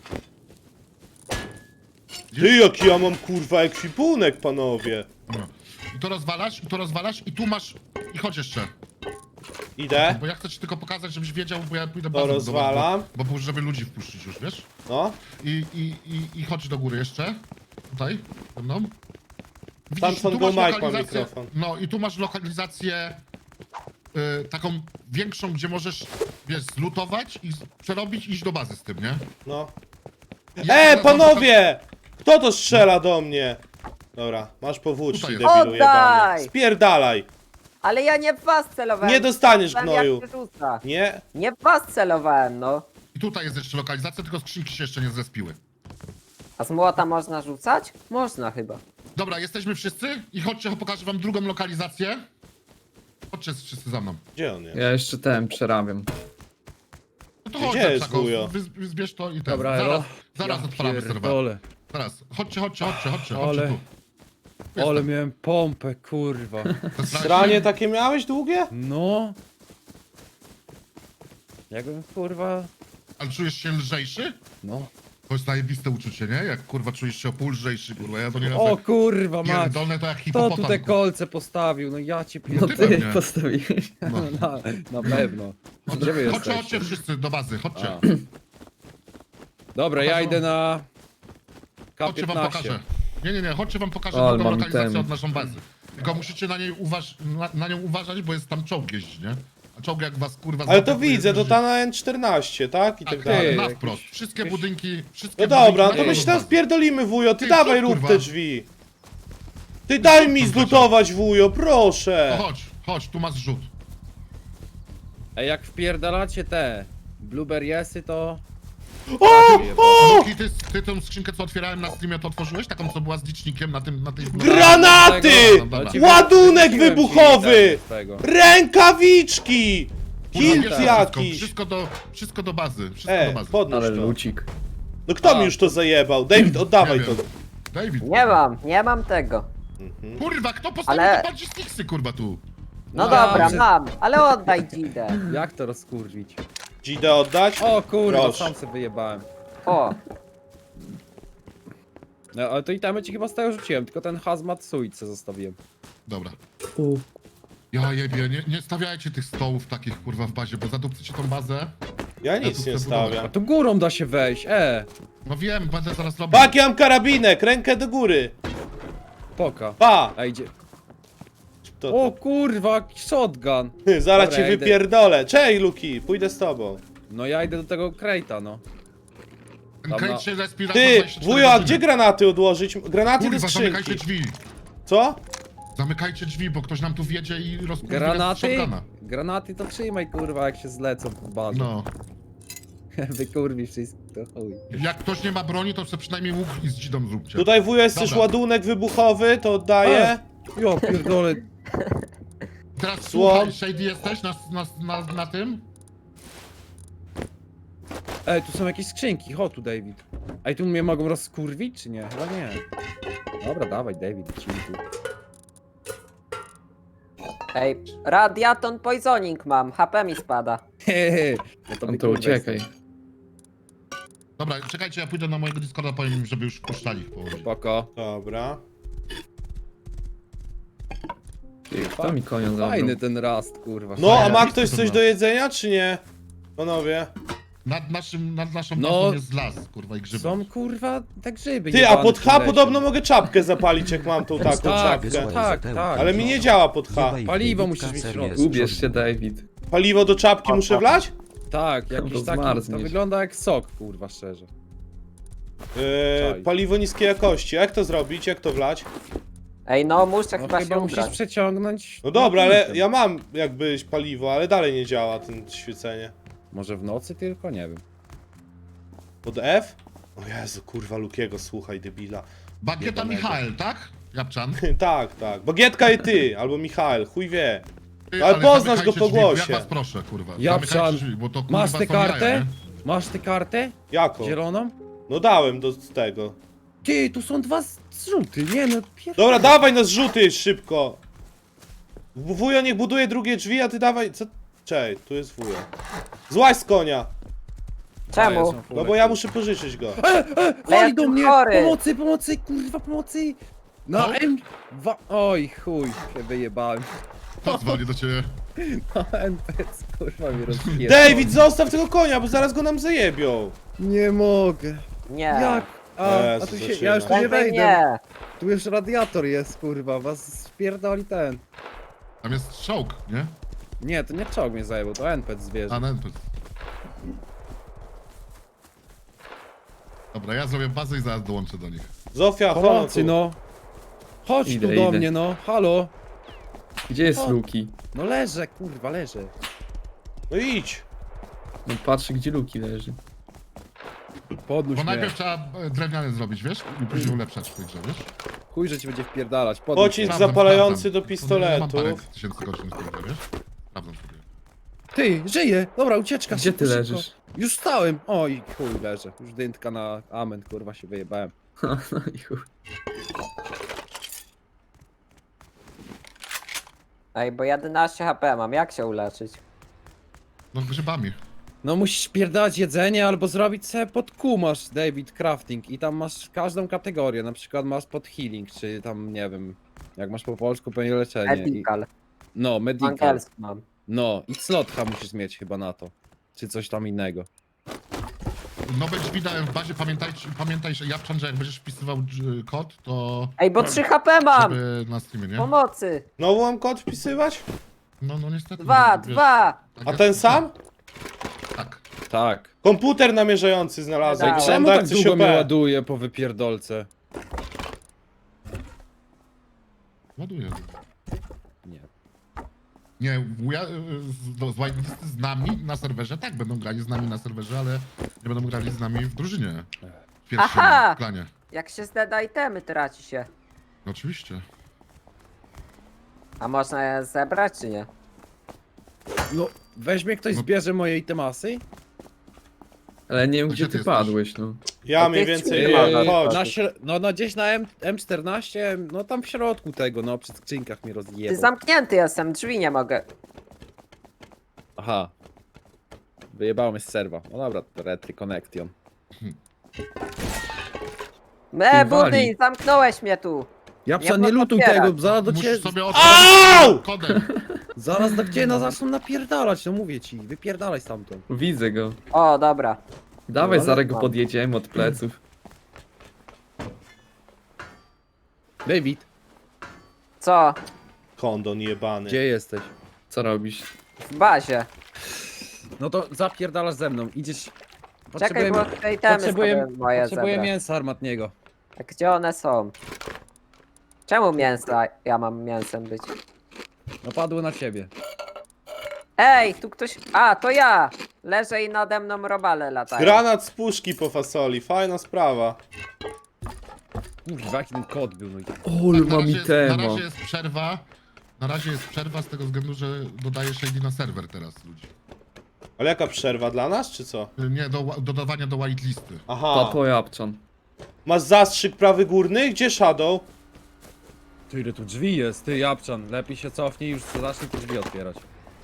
[SPEAKER 2] Ty, jaki ja mam kurwa ekwipunek, panowie.
[SPEAKER 1] No. I to rozwalasz, i to rozwalasz, i tu masz... I chodź jeszcze.
[SPEAKER 2] Idę.
[SPEAKER 1] Bo ja chcę ci tylko pokazać, żebyś wiedział, bo ja pójdę
[SPEAKER 2] To
[SPEAKER 1] bazą
[SPEAKER 2] rozwalam.
[SPEAKER 1] budować, Bo, bo żeby ludzi wpuścić już, wiesz?
[SPEAKER 2] No.
[SPEAKER 1] I, i, i, i chodź do góry jeszcze. Tutaj, ze mną.
[SPEAKER 2] Tam
[SPEAKER 1] tu
[SPEAKER 2] son go
[SPEAKER 1] masz
[SPEAKER 2] Mike ma
[SPEAKER 1] lokalizację-
[SPEAKER 2] mikrofon.
[SPEAKER 1] No i tu masz lokalizację y, taką większą, gdzie możesz, wiesz, zlutować i z- przerobić i iść do bazy z tym, nie?
[SPEAKER 2] No.
[SPEAKER 1] Ja
[SPEAKER 2] E,
[SPEAKER 1] teraz mam
[SPEAKER 2] panowie! Kto to strzela do mnie? Dobra, masz powłóczki,
[SPEAKER 1] Tutaj jest.
[SPEAKER 2] debilu jebany.
[SPEAKER 3] Oddaj!
[SPEAKER 2] Spierdalaj!
[SPEAKER 3] Ale ja nie w was celowałem.
[SPEAKER 2] Nie dostaniesz,
[SPEAKER 3] Celowałem,
[SPEAKER 2] gnoju.
[SPEAKER 3] jak się rzuca.
[SPEAKER 2] Nie?
[SPEAKER 3] Nie w was celowałem, no.
[SPEAKER 1] I tutaj jest jeszcze lokalizacja, tylko skrzynki się jeszcze nie zrespiły.
[SPEAKER 3] A z młota można rzucać? Można chyba.
[SPEAKER 1] Dobra, jesteśmy wszyscy i chodźcie, pokażę wam drugą lokalizację. Chodźcie wszyscy za mną.
[SPEAKER 2] Gdzie on jest?
[SPEAKER 5] Ja jeszcze ten przerabiam.
[SPEAKER 1] No to
[SPEAKER 2] Gdzie
[SPEAKER 1] chodź,
[SPEAKER 2] jest
[SPEAKER 1] Psako,
[SPEAKER 2] wujo?
[SPEAKER 1] wy, wy, zbierz to i ten.
[SPEAKER 4] Dobra,
[SPEAKER 1] zaraz,
[SPEAKER 4] elo.
[SPEAKER 1] zaraz
[SPEAKER 4] Ja
[SPEAKER 1] odpalamy serwer.
[SPEAKER 4] pierdolę.
[SPEAKER 1] Zaraz, chodźcie, chodźcie, chodźcie, chodźcie,
[SPEAKER 4] Ale-
[SPEAKER 1] chodźcie tu. Tu
[SPEAKER 4] Ale
[SPEAKER 1] jestem.
[SPEAKER 4] miałem pompę, kurwa.
[SPEAKER 1] To strasznie.
[SPEAKER 2] Stranie takie miałeś długie?
[SPEAKER 4] No. Jakbym kurwa...
[SPEAKER 1] Ale czujesz się lżejszy?
[SPEAKER 4] No.
[SPEAKER 1] To jest zajebiste uczucie, nie? Jak kurwa czujesz się o pół lżejszy, kurwa. Ja to nie
[SPEAKER 4] O kurwa, mać.
[SPEAKER 1] pierdolne to jak
[SPEAKER 4] Kto
[SPEAKER 1] hipopotam.
[SPEAKER 4] tu te
[SPEAKER 1] kurwa.
[SPEAKER 4] kolce postawił? No ja cię
[SPEAKER 5] No
[SPEAKER 1] ty
[SPEAKER 4] pierdolę.
[SPEAKER 5] ty
[SPEAKER 1] pewnie.
[SPEAKER 5] postawiłeś.
[SPEAKER 1] No.
[SPEAKER 4] Na, na pewno. Gdzie wy
[SPEAKER 1] Chodźcie, chodźcie
[SPEAKER 4] jesteście?
[SPEAKER 1] wszyscy do bazy, chodźcie.
[SPEAKER 4] A. Dobra, ja
[SPEAKER 1] Pokażę
[SPEAKER 4] idę na... K
[SPEAKER 1] Chodźcie wam
[SPEAKER 4] piętnaście.
[SPEAKER 1] pokażę. Nie, nie, nie, chodźcie wam pokażę
[SPEAKER 5] O, ale
[SPEAKER 1] drugą
[SPEAKER 5] mam
[SPEAKER 1] lokalizację
[SPEAKER 5] ten.
[SPEAKER 1] od naszą bazy. Tylko musicie na niej uważ na, na nią uważać, bo jest tam czołg jeździ, nie? A czołg jak was kurwa
[SPEAKER 2] Ale to
[SPEAKER 1] zaatakuje,
[SPEAKER 2] widzę, to
[SPEAKER 1] jeździ-
[SPEAKER 2] ta na N czternaście, tak? I
[SPEAKER 1] Tak,
[SPEAKER 2] tak
[SPEAKER 1] tak,
[SPEAKER 2] dalej.
[SPEAKER 1] na
[SPEAKER 4] Jakiś-
[SPEAKER 1] wprost. Wszystkie
[SPEAKER 4] jakiś-
[SPEAKER 1] budynki, wszystkie
[SPEAKER 2] No dobra, no
[SPEAKER 1] budynki
[SPEAKER 2] to my
[SPEAKER 1] należą
[SPEAKER 2] się
[SPEAKER 1] do
[SPEAKER 2] tam
[SPEAKER 1] bazy.
[SPEAKER 2] spierdolimy, wujo. Ty
[SPEAKER 1] Ty,
[SPEAKER 2] dawaj,
[SPEAKER 1] co,
[SPEAKER 2] rób
[SPEAKER 1] kurwa?
[SPEAKER 2] te drzwi. Ty daj mi
[SPEAKER 1] co,
[SPEAKER 2] zlutować, wujo,
[SPEAKER 1] To
[SPEAKER 2] proszę.
[SPEAKER 1] chodź, chodź, tu masz rzut.
[SPEAKER 4] Ej, jak wpierdalacie te blueberriesy, to...
[SPEAKER 2] O! O!
[SPEAKER 1] Luki, ty, ty tę skrzynkę, co otwierałem na streamie, to otworzyłeś? Taką, co była z licznikiem na tym, na tej...
[SPEAKER 2] Granaty!
[SPEAKER 1] Dobra.
[SPEAKER 4] ci
[SPEAKER 2] Ładunek
[SPEAKER 4] wyrzuciłem ci
[SPEAKER 2] wybuchowy!
[SPEAKER 4] ten z tego.
[SPEAKER 2] Rękawiczki!
[SPEAKER 1] Kurwa,
[SPEAKER 2] Kilt
[SPEAKER 1] bierz to
[SPEAKER 2] jakiś!
[SPEAKER 1] Wszystko, wszystko, do, wszystko do bazy, wszystko do
[SPEAKER 2] E,
[SPEAKER 1] bazy.
[SPEAKER 2] podnóż
[SPEAKER 5] Ale
[SPEAKER 2] to.
[SPEAKER 5] lucik.
[SPEAKER 2] No kto
[SPEAKER 4] A.
[SPEAKER 2] mi już to zajebał? David, oddawaj
[SPEAKER 1] Nie
[SPEAKER 2] to.
[SPEAKER 1] wiem. David,
[SPEAKER 3] Nie mam, nie mam tego.
[SPEAKER 1] kurwa, kto postawił
[SPEAKER 3] Ale-
[SPEAKER 1] te bardziej sticksy, kurwa, tu?
[SPEAKER 3] No
[SPEAKER 4] No,
[SPEAKER 3] dobra,
[SPEAKER 4] że-
[SPEAKER 3] mam, ale oddaj dzidę.
[SPEAKER 4] Jak to rozkurwić?
[SPEAKER 2] Dzidę oddać?
[SPEAKER 4] O kurwa,
[SPEAKER 2] Proszę.
[SPEAKER 4] sam sobie wyjebałem.
[SPEAKER 3] O,
[SPEAKER 4] No, ale to i tam ci chyba z tego rzuciłem, tylko ten hazmat suit co zostawiłem.
[SPEAKER 1] Dobra.
[SPEAKER 5] U.
[SPEAKER 1] Ja jebie, nie, nie stawiajcie tych stołów takich, kurwa, w bazie, bo zadupcycie tą bazę.
[SPEAKER 2] Ja
[SPEAKER 1] tu
[SPEAKER 2] nic
[SPEAKER 1] chcę
[SPEAKER 2] nie
[SPEAKER 1] budować.
[SPEAKER 2] stawiam.
[SPEAKER 4] A tu górą da się wejść, e!
[SPEAKER 1] No wiem, będę zaraz robił.
[SPEAKER 2] Pak, ja mam karabinek, rękę do góry.
[SPEAKER 4] Poka.
[SPEAKER 2] Pa!
[SPEAKER 4] A idzie.
[SPEAKER 2] To,
[SPEAKER 4] O kurwa, shotgun!
[SPEAKER 2] to. Zaraz
[SPEAKER 4] Dobra,
[SPEAKER 2] cię
[SPEAKER 4] ja idę.
[SPEAKER 2] wypierdolę. Cześć, Luki, pójdę z tobą.
[SPEAKER 4] No ja idę do tego Crate'a, no.
[SPEAKER 1] Ten
[SPEAKER 4] Dobra.
[SPEAKER 1] kręć się respirator
[SPEAKER 2] Ty,
[SPEAKER 1] dwadzieścia cztery
[SPEAKER 2] wujo, a
[SPEAKER 1] godziny.
[SPEAKER 2] gdzie granaty odłożyć? Granaty do
[SPEAKER 1] Kurwa, zamykajcie
[SPEAKER 2] skrzynki.
[SPEAKER 1] drzwi.
[SPEAKER 2] Co?
[SPEAKER 1] Zamykajcie drzwi, bo ktoś nam tu wjedzie i rozkurwi nas z
[SPEAKER 4] Granaty?
[SPEAKER 1] shotguna.
[SPEAKER 4] Granaty to trzymaj kurwa jak się zlecą w bazie.
[SPEAKER 1] No.
[SPEAKER 4] Wykurwi wszystko, to chuj.
[SPEAKER 1] Jak ktoś nie ma broni, to sobie przynajmniej łuk i z dzidą zróbcie.
[SPEAKER 2] Tutaj wujo jest też
[SPEAKER 1] Dobra.
[SPEAKER 2] ładunek wybuchowy, to oddaję.
[SPEAKER 4] Jo, pierdolę.
[SPEAKER 1] Teraz
[SPEAKER 2] Słom.
[SPEAKER 1] słuchaj, Shady jesteś na, na, na, na tym?
[SPEAKER 4] Ej, tu są jakieś skrzynki, chodź tu David. Ej, tu mnie mogą rozkurwić, czy nie? Chyba nie. Dobra, dawaj David, lecimy tu.
[SPEAKER 3] ej, radiaton poisoning mam, H P mi spada.
[SPEAKER 4] Hehe. No
[SPEAKER 5] Tam
[SPEAKER 4] mi,
[SPEAKER 5] to
[SPEAKER 4] kurwa,
[SPEAKER 5] uciekaj.
[SPEAKER 1] Dobra, czekajcie, ja pójdę na mojego Discorda, powiem im, żeby już puszczali ich położyć.
[SPEAKER 4] Spoko.
[SPEAKER 2] Dobra.
[SPEAKER 5] Ty, kto mi konia zabrał?
[SPEAKER 4] Fajny ten rast, kurwa.
[SPEAKER 2] No, a
[SPEAKER 4] Fajny.
[SPEAKER 2] ma
[SPEAKER 1] widzę,
[SPEAKER 2] ktoś
[SPEAKER 1] to
[SPEAKER 2] coś
[SPEAKER 1] ma.
[SPEAKER 2] do jedzenia, czy nie? Panowie.
[SPEAKER 1] Nad, naszym, nad naszą
[SPEAKER 4] No.
[SPEAKER 1] bazą jest las, kurwa, i grzyby.
[SPEAKER 4] Są kurwa te grzyby.
[SPEAKER 2] Ty, a
[SPEAKER 4] jebane
[SPEAKER 2] pod
[SPEAKER 4] w
[SPEAKER 2] H
[SPEAKER 4] tym lesie.
[SPEAKER 2] podobno mogę czapkę zapalić, jak mam tą taką
[SPEAKER 4] Tak,
[SPEAKER 2] czapkę.
[SPEAKER 4] tak, tak.
[SPEAKER 2] Ale mi nie działa pod H.
[SPEAKER 4] Paliwo musisz mieć w środku.
[SPEAKER 5] Ubierz się, David.
[SPEAKER 2] Paliwo do czapki muszę wlać?
[SPEAKER 4] Tak, jakiś
[SPEAKER 5] Bo
[SPEAKER 4] taki, to
[SPEAKER 5] zmarzniesz.
[SPEAKER 4] wygląda jak sok, kurwa, szczerze.
[SPEAKER 2] Yy,
[SPEAKER 4] Czaj.
[SPEAKER 2] paliwo niskiej jakości. Jak to zrobić? Jak to wlać?
[SPEAKER 3] Ej, no muszę
[SPEAKER 4] No
[SPEAKER 3] chyba
[SPEAKER 4] chyba
[SPEAKER 3] się
[SPEAKER 4] musisz
[SPEAKER 3] ubrać.
[SPEAKER 2] No
[SPEAKER 4] przeciągnąć...
[SPEAKER 2] dobra, ale
[SPEAKER 4] napędem.
[SPEAKER 2] ja mam jakbyś paliwo, ale dalej nie działa ten świecenie.
[SPEAKER 4] Może w nocy tylko? Nie wiem.
[SPEAKER 2] Pod F? O Jezu, kurwa Lukiego, słuchaj, debila.
[SPEAKER 1] Bagieta
[SPEAKER 2] Jebanego.
[SPEAKER 1] Michael, tak? Japczan?
[SPEAKER 2] tak, tak. Bagietka i ty, albo Michael, chuj wie.
[SPEAKER 1] Ty,
[SPEAKER 2] Ale poznasz
[SPEAKER 1] zamykajcie
[SPEAKER 2] go po
[SPEAKER 1] drzwi,
[SPEAKER 2] głosie.
[SPEAKER 1] Ja was proszę, kurwa.
[SPEAKER 4] Japczan,
[SPEAKER 1] Zamykajcie drzwi, bo to kurwa
[SPEAKER 4] Masz tę
[SPEAKER 1] są jaja,
[SPEAKER 4] kartę?
[SPEAKER 1] nie?
[SPEAKER 4] Masz tę kartę?
[SPEAKER 2] Jako?
[SPEAKER 4] Zieloną?
[SPEAKER 2] No dałem do z tego.
[SPEAKER 4] Ty, tu są dwa z- zrzuty, nie no, pier...
[SPEAKER 2] Dobra, dawaj na zrzuty szybko. Wujo niech buduje drugie drzwi, a ty dawaj... Co? Czej, tu jest wujo. Złaź z konia.
[SPEAKER 3] Czemu?
[SPEAKER 2] No bo ja muszę pożyczyć go.
[SPEAKER 3] Ja
[SPEAKER 4] Wali do
[SPEAKER 3] jestem
[SPEAKER 4] mnie!
[SPEAKER 3] chory.
[SPEAKER 4] Pomocy, pomocy, kurwa, pomocy! No,
[SPEAKER 1] No.
[SPEAKER 4] M... Wa... Oj, chuj, się wyjebałem.
[SPEAKER 1] To dzwoni do ciebie.
[SPEAKER 4] No, N P C, kurwa, mnie rozjebał.
[SPEAKER 2] David, zostaw tego konia, bo zaraz go nam zajebią.
[SPEAKER 4] Nie mogę.
[SPEAKER 3] Nie.
[SPEAKER 4] Jak? A, a
[SPEAKER 2] Jezu,
[SPEAKER 4] tu się,
[SPEAKER 2] zaczyna.
[SPEAKER 4] ja już tu nie
[SPEAKER 3] Prędzej
[SPEAKER 4] wejdę.
[SPEAKER 3] nie.
[SPEAKER 4] Tu już radiator jest, kurwa, was spierdoli ten.
[SPEAKER 1] Tam jest czołg, nie?
[SPEAKER 4] Nie, to nie czołg mnie zajebał, to N P C zwierzę.
[SPEAKER 1] A no, to... Dobra, ja zrobię bazę i zaraz dołączę do nich.
[SPEAKER 2] Zofia, chodź
[SPEAKER 4] Pomocy,
[SPEAKER 2] tu.
[SPEAKER 4] no. Chodź
[SPEAKER 5] Idę,
[SPEAKER 4] tu do
[SPEAKER 5] idę.
[SPEAKER 4] mnie, no. Halo.
[SPEAKER 5] Gdzie jest
[SPEAKER 4] O.
[SPEAKER 5] Luki?
[SPEAKER 4] No leżę, kurwa, leżę.
[SPEAKER 2] No idź.
[SPEAKER 5] No patrzę, gdzie Luki leży.
[SPEAKER 4] Podnóż
[SPEAKER 1] Bo
[SPEAKER 4] mnie.
[SPEAKER 1] najpierw trzeba e, drewniane zrobić, wiesz? I później ulepszać w tej grze, wiesz?
[SPEAKER 4] Chuj, że ci będzie wpierdalać. Podnóż
[SPEAKER 2] Pocisk
[SPEAKER 4] mnie.
[SPEAKER 1] Sprawdzam,
[SPEAKER 2] zapalający
[SPEAKER 1] sprawdzam.
[SPEAKER 2] do
[SPEAKER 1] To Mam parę
[SPEAKER 2] pistoletów.
[SPEAKER 1] tysięcy godzin w tej grze, wiesz? Sprawdzam sobie.
[SPEAKER 4] Ty, żyję! Dobra, ucieczka.
[SPEAKER 5] Gdzie ty
[SPEAKER 4] szybko,
[SPEAKER 5] leżysz?
[SPEAKER 4] szybko. Już stałem. Oj, chuj, leżę. Już dyntka na amen, kurwa, się wyjebałem.
[SPEAKER 5] No i chuj.
[SPEAKER 3] Ej, bo jedenaście H P mam, jak się uleczyć?
[SPEAKER 1] No grzybami.
[SPEAKER 4] No musisz pierdalać jedzenie albo zrobić sobie pod Q masz David Crafting i tam masz każdą kategorię, na przykład masz pod healing, czy tam nie wiem, jak masz po polsku pewnie leczenie. I,
[SPEAKER 3] Medical.
[SPEAKER 4] no, medical.
[SPEAKER 3] Angielski mam.
[SPEAKER 4] No, i slotka musisz mieć chyba na to. Czy coś tam innego.
[SPEAKER 1] Nowe drzwi dałem w bazie, pamiętajcie, pamiętaj, że Japczan, że jak będziesz wpisywał dż- kod, to...
[SPEAKER 3] Ej, bo trzy H P mam!
[SPEAKER 1] Żeby na streamie, nie?
[SPEAKER 3] Pomocy!
[SPEAKER 2] Znowu mam kod wpisywać?
[SPEAKER 1] No, no niestety.
[SPEAKER 3] Dwa,
[SPEAKER 1] no, wiesz,
[SPEAKER 3] dwa!
[SPEAKER 1] tak
[SPEAKER 2] A
[SPEAKER 1] jest.
[SPEAKER 2] ten sam?
[SPEAKER 1] Tak.
[SPEAKER 4] Tak.
[SPEAKER 2] Komputer namierzający znalazłem.
[SPEAKER 3] Ej,
[SPEAKER 2] Mam
[SPEAKER 4] Czemu
[SPEAKER 2] dać
[SPEAKER 4] tak
[SPEAKER 2] coś
[SPEAKER 4] długo mnie
[SPEAKER 2] O P.
[SPEAKER 4] ładuje po wypierdolce?
[SPEAKER 1] Ładuję.
[SPEAKER 4] Nie.
[SPEAKER 1] Nie, wuja y, z, do- z Whitelisty z nami na serwerze, tak, będą grali z nami na serwerze, ale nie będą grali z nami w drużynie. W pierwszym
[SPEAKER 3] Aha!
[SPEAKER 1] klanie.
[SPEAKER 3] Jak się zdeda itemy, traci się.
[SPEAKER 1] No, oczywiście.
[SPEAKER 3] A można je zebrać, czy nie?
[SPEAKER 4] No, weźmie ktoś,
[SPEAKER 1] No.
[SPEAKER 4] zbierze moje itemasy?
[SPEAKER 5] Ale nie wiem,
[SPEAKER 1] A
[SPEAKER 5] gdzie
[SPEAKER 1] gdzie
[SPEAKER 5] ty
[SPEAKER 1] ty
[SPEAKER 5] padłeś, no.
[SPEAKER 2] Ja
[SPEAKER 3] To
[SPEAKER 2] mniej
[SPEAKER 3] ty
[SPEAKER 2] więcej
[SPEAKER 3] ci-
[SPEAKER 2] mam,
[SPEAKER 3] Yy,
[SPEAKER 2] chodź.
[SPEAKER 4] na śr- no, no gdzieś na M M14, no tam w środku tego, no przy skrzynkach mnie
[SPEAKER 3] Ty
[SPEAKER 4] rozjebał.
[SPEAKER 3] zamknięty jestem, drzwi nie mogę.
[SPEAKER 4] Aha. Wyjebało mnie z serwa. No dobra, to Retry Connection.
[SPEAKER 3] Me,
[SPEAKER 5] Ty wali.
[SPEAKER 3] budyń, zamknąłeś mnie tu.
[SPEAKER 4] Ja
[SPEAKER 3] Nie
[SPEAKER 4] psa nie
[SPEAKER 3] można
[SPEAKER 4] lutuj
[SPEAKER 3] otwierać.
[SPEAKER 4] tego, zaraz do ciebie,
[SPEAKER 1] Musisz sobie
[SPEAKER 2] Au!
[SPEAKER 1] otworzyć kodem.
[SPEAKER 4] zaraz do ciebie na zaczną napierdalać, no mówię ci, wypierdalaj stamtąd.
[SPEAKER 5] Widzę go.
[SPEAKER 3] O, dobra.
[SPEAKER 5] Dawaj,
[SPEAKER 3] No,
[SPEAKER 5] zaraz go
[SPEAKER 3] mam.
[SPEAKER 5] podjedziemy od pleców.
[SPEAKER 4] David,
[SPEAKER 3] Co?
[SPEAKER 2] Kondon jebany.
[SPEAKER 4] gdzie jesteś?
[SPEAKER 5] Co robisz?
[SPEAKER 3] W bazie.
[SPEAKER 4] No to zapierdalasz ze mną, idziesz...
[SPEAKER 3] Czekaj, bo te itemy
[SPEAKER 4] potrzebuję,
[SPEAKER 3] sobie moje
[SPEAKER 4] potrzebuję
[SPEAKER 3] zebrać.
[SPEAKER 4] mięsa armatniego.
[SPEAKER 3] A gdzie one są? Czemu mięsa ja mam mięsem być?
[SPEAKER 4] No padły na ciebie.
[SPEAKER 3] Ej, tu ktoś... A, to ja! Leżę i nade mną robale latają.
[SPEAKER 2] Granat z puszki po fasoli, fajna sprawa.
[SPEAKER 4] Kurwa, jaki ten kod był, no i...
[SPEAKER 5] Ol,
[SPEAKER 1] Tak, na,
[SPEAKER 5] mam
[SPEAKER 1] razie jest, na
[SPEAKER 5] itema.
[SPEAKER 1] razie jest przerwa. Na razie jest przerwa z tego względu, że dodaję shady na serwer teraz ludzi.
[SPEAKER 2] Ale jaka przerwa dla nas, czy co?
[SPEAKER 1] Y, Nie, do, dodawania do whitelisty.
[SPEAKER 2] Aha.
[SPEAKER 5] Papo Japczan.
[SPEAKER 2] Masz zastrzyk prawy górny? Gdzie Shadow?
[SPEAKER 4] Ty, ile tu drzwi jest, ty Japczan, lepiej się cofnij, już zacznij te drzwi otwierać.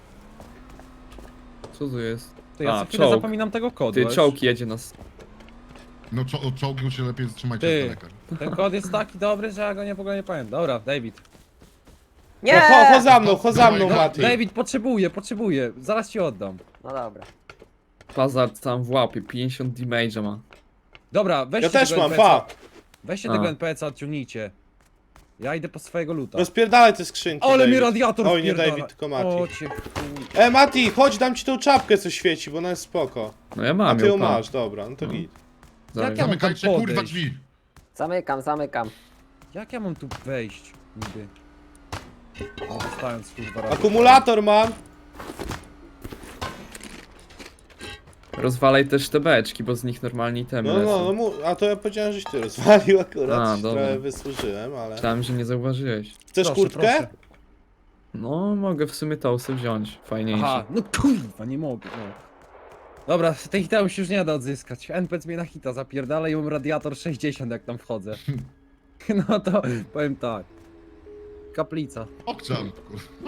[SPEAKER 5] Co tu jest?
[SPEAKER 4] Ty, ja
[SPEAKER 5] A,
[SPEAKER 4] co chwilę
[SPEAKER 5] czołg.
[SPEAKER 4] zapominam tego kodu.
[SPEAKER 5] Ty,
[SPEAKER 4] wiesz?
[SPEAKER 5] czołg jedzie nas.
[SPEAKER 1] No czo, od czołgu się lepiej trzymajcie
[SPEAKER 4] Ty.
[SPEAKER 1] z daleka.
[SPEAKER 4] Ten kod jest taki dobry, że ja go nie w ogóle nie pamiętam. Dobra, David.
[SPEAKER 3] Nie!
[SPEAKER 2] No, cho, cho za mną, cho za mną,
[SPEAKER 1] No,
[SPEAKER 2] Mati.
[SPEAKER 4] David, potrzebuję, potrzebuję, zaraz ci oddam.
[SPEAKER 3] No dobra.
[SPEAKER 5] Pazard tam w łapie, pięćdziesiąt damage'a ma.
[SPEAKER 4] Dobra, weźcie
[SPEAKER 2] Ja też
[SPEAKER 4] tego
[SPEAKER 2] mam,
[SPEAKER 4] N P C-a.
[SPEAKER 2] pa.
[SPEAKER 4] Weźcie
[SPEAKER 5] A.
[SPEAKER 4] tego N P C-a, odciągnijcie. Ja idę po swojego luta.
[SPEAKER 2] Rozpierdalaj te skrzynki,
[SPEAKER 4] Ale
[SPEAKER 2] David.
[SPEAKER 4] mi radiator
[SPEAKER 2] Oj, nie
[SPEAKER 4] wpierdala.
[SPEAKER 2] David, tylko
[SPEAKER 4] O
[SPEAKER 2] Mati.
[SPEAKER 4] cię chuj.
[SPEAKER 2] E, Mati, chodź, dam ci tą czapkę, co świeci, bo ona jest spoko.
[SPEAKER 5] No ja
[SPEAKER 2] A
[SPEAKER 5] mam
[SPEAKER 2] ty ją
[SPEAKER 5] ją, pa.
[SPEAKER 2] masz, dobra, no to
[SPEAKER 5] No.
[SPEAKER 2] git.
[SPEAKER 5] Zaraz.
[SPEAKER 4] Jak ja mam tam
[SPEAKER 1] Zamykajcie kurwa
[SPEAKER 4] podejść?
[SPEAKER 1] drzwi.
[SPEAKER 3] Zamykam, zamykam.
[SPEAKER 4] Jak ja mam tu wejść niby? No, dostając kurwa radiator.
[SPEAKER 2] Akumulator mam.
[SPEAKER 5] Rozwalaj też te beczki, bo z nich normalnie itemy
[SPEAKER 2] No, no,
[SPEAKER 5] lecą.
[SPEAKER 2] no, mu- a to ja powiedziałem, żeś ty rozwalił akurat.
[SPEAKER 5] A,
[SPEAKER 2] się
[SPEAKER 5] dobra.
[SPEAKER 2] Trochę wysłużyłem, ale...
[SPEAKER 5] Myślałem, że nie zauważyłeś.
[SPEAKER 2] Chcesz
[SPEAKER 4] Proszę,
[SPEAKER 2] kurtkę?
[SPEAKER 4] proszę.
[SPEAKER 5] No, mogę w sumie to sobie wziąć. Fajniejsze.
[SPEAKER 4] Aha, no kurwa, nie mogę, no. Dobra, tej hita już już nie da odzyskać. N P C mnie na hita zapierdala i mam radiator sześćdziesiąt jak tam wchodzę. No to powiem tak. Kaplica.
[SPEAKER 1] Okczam, kurwa.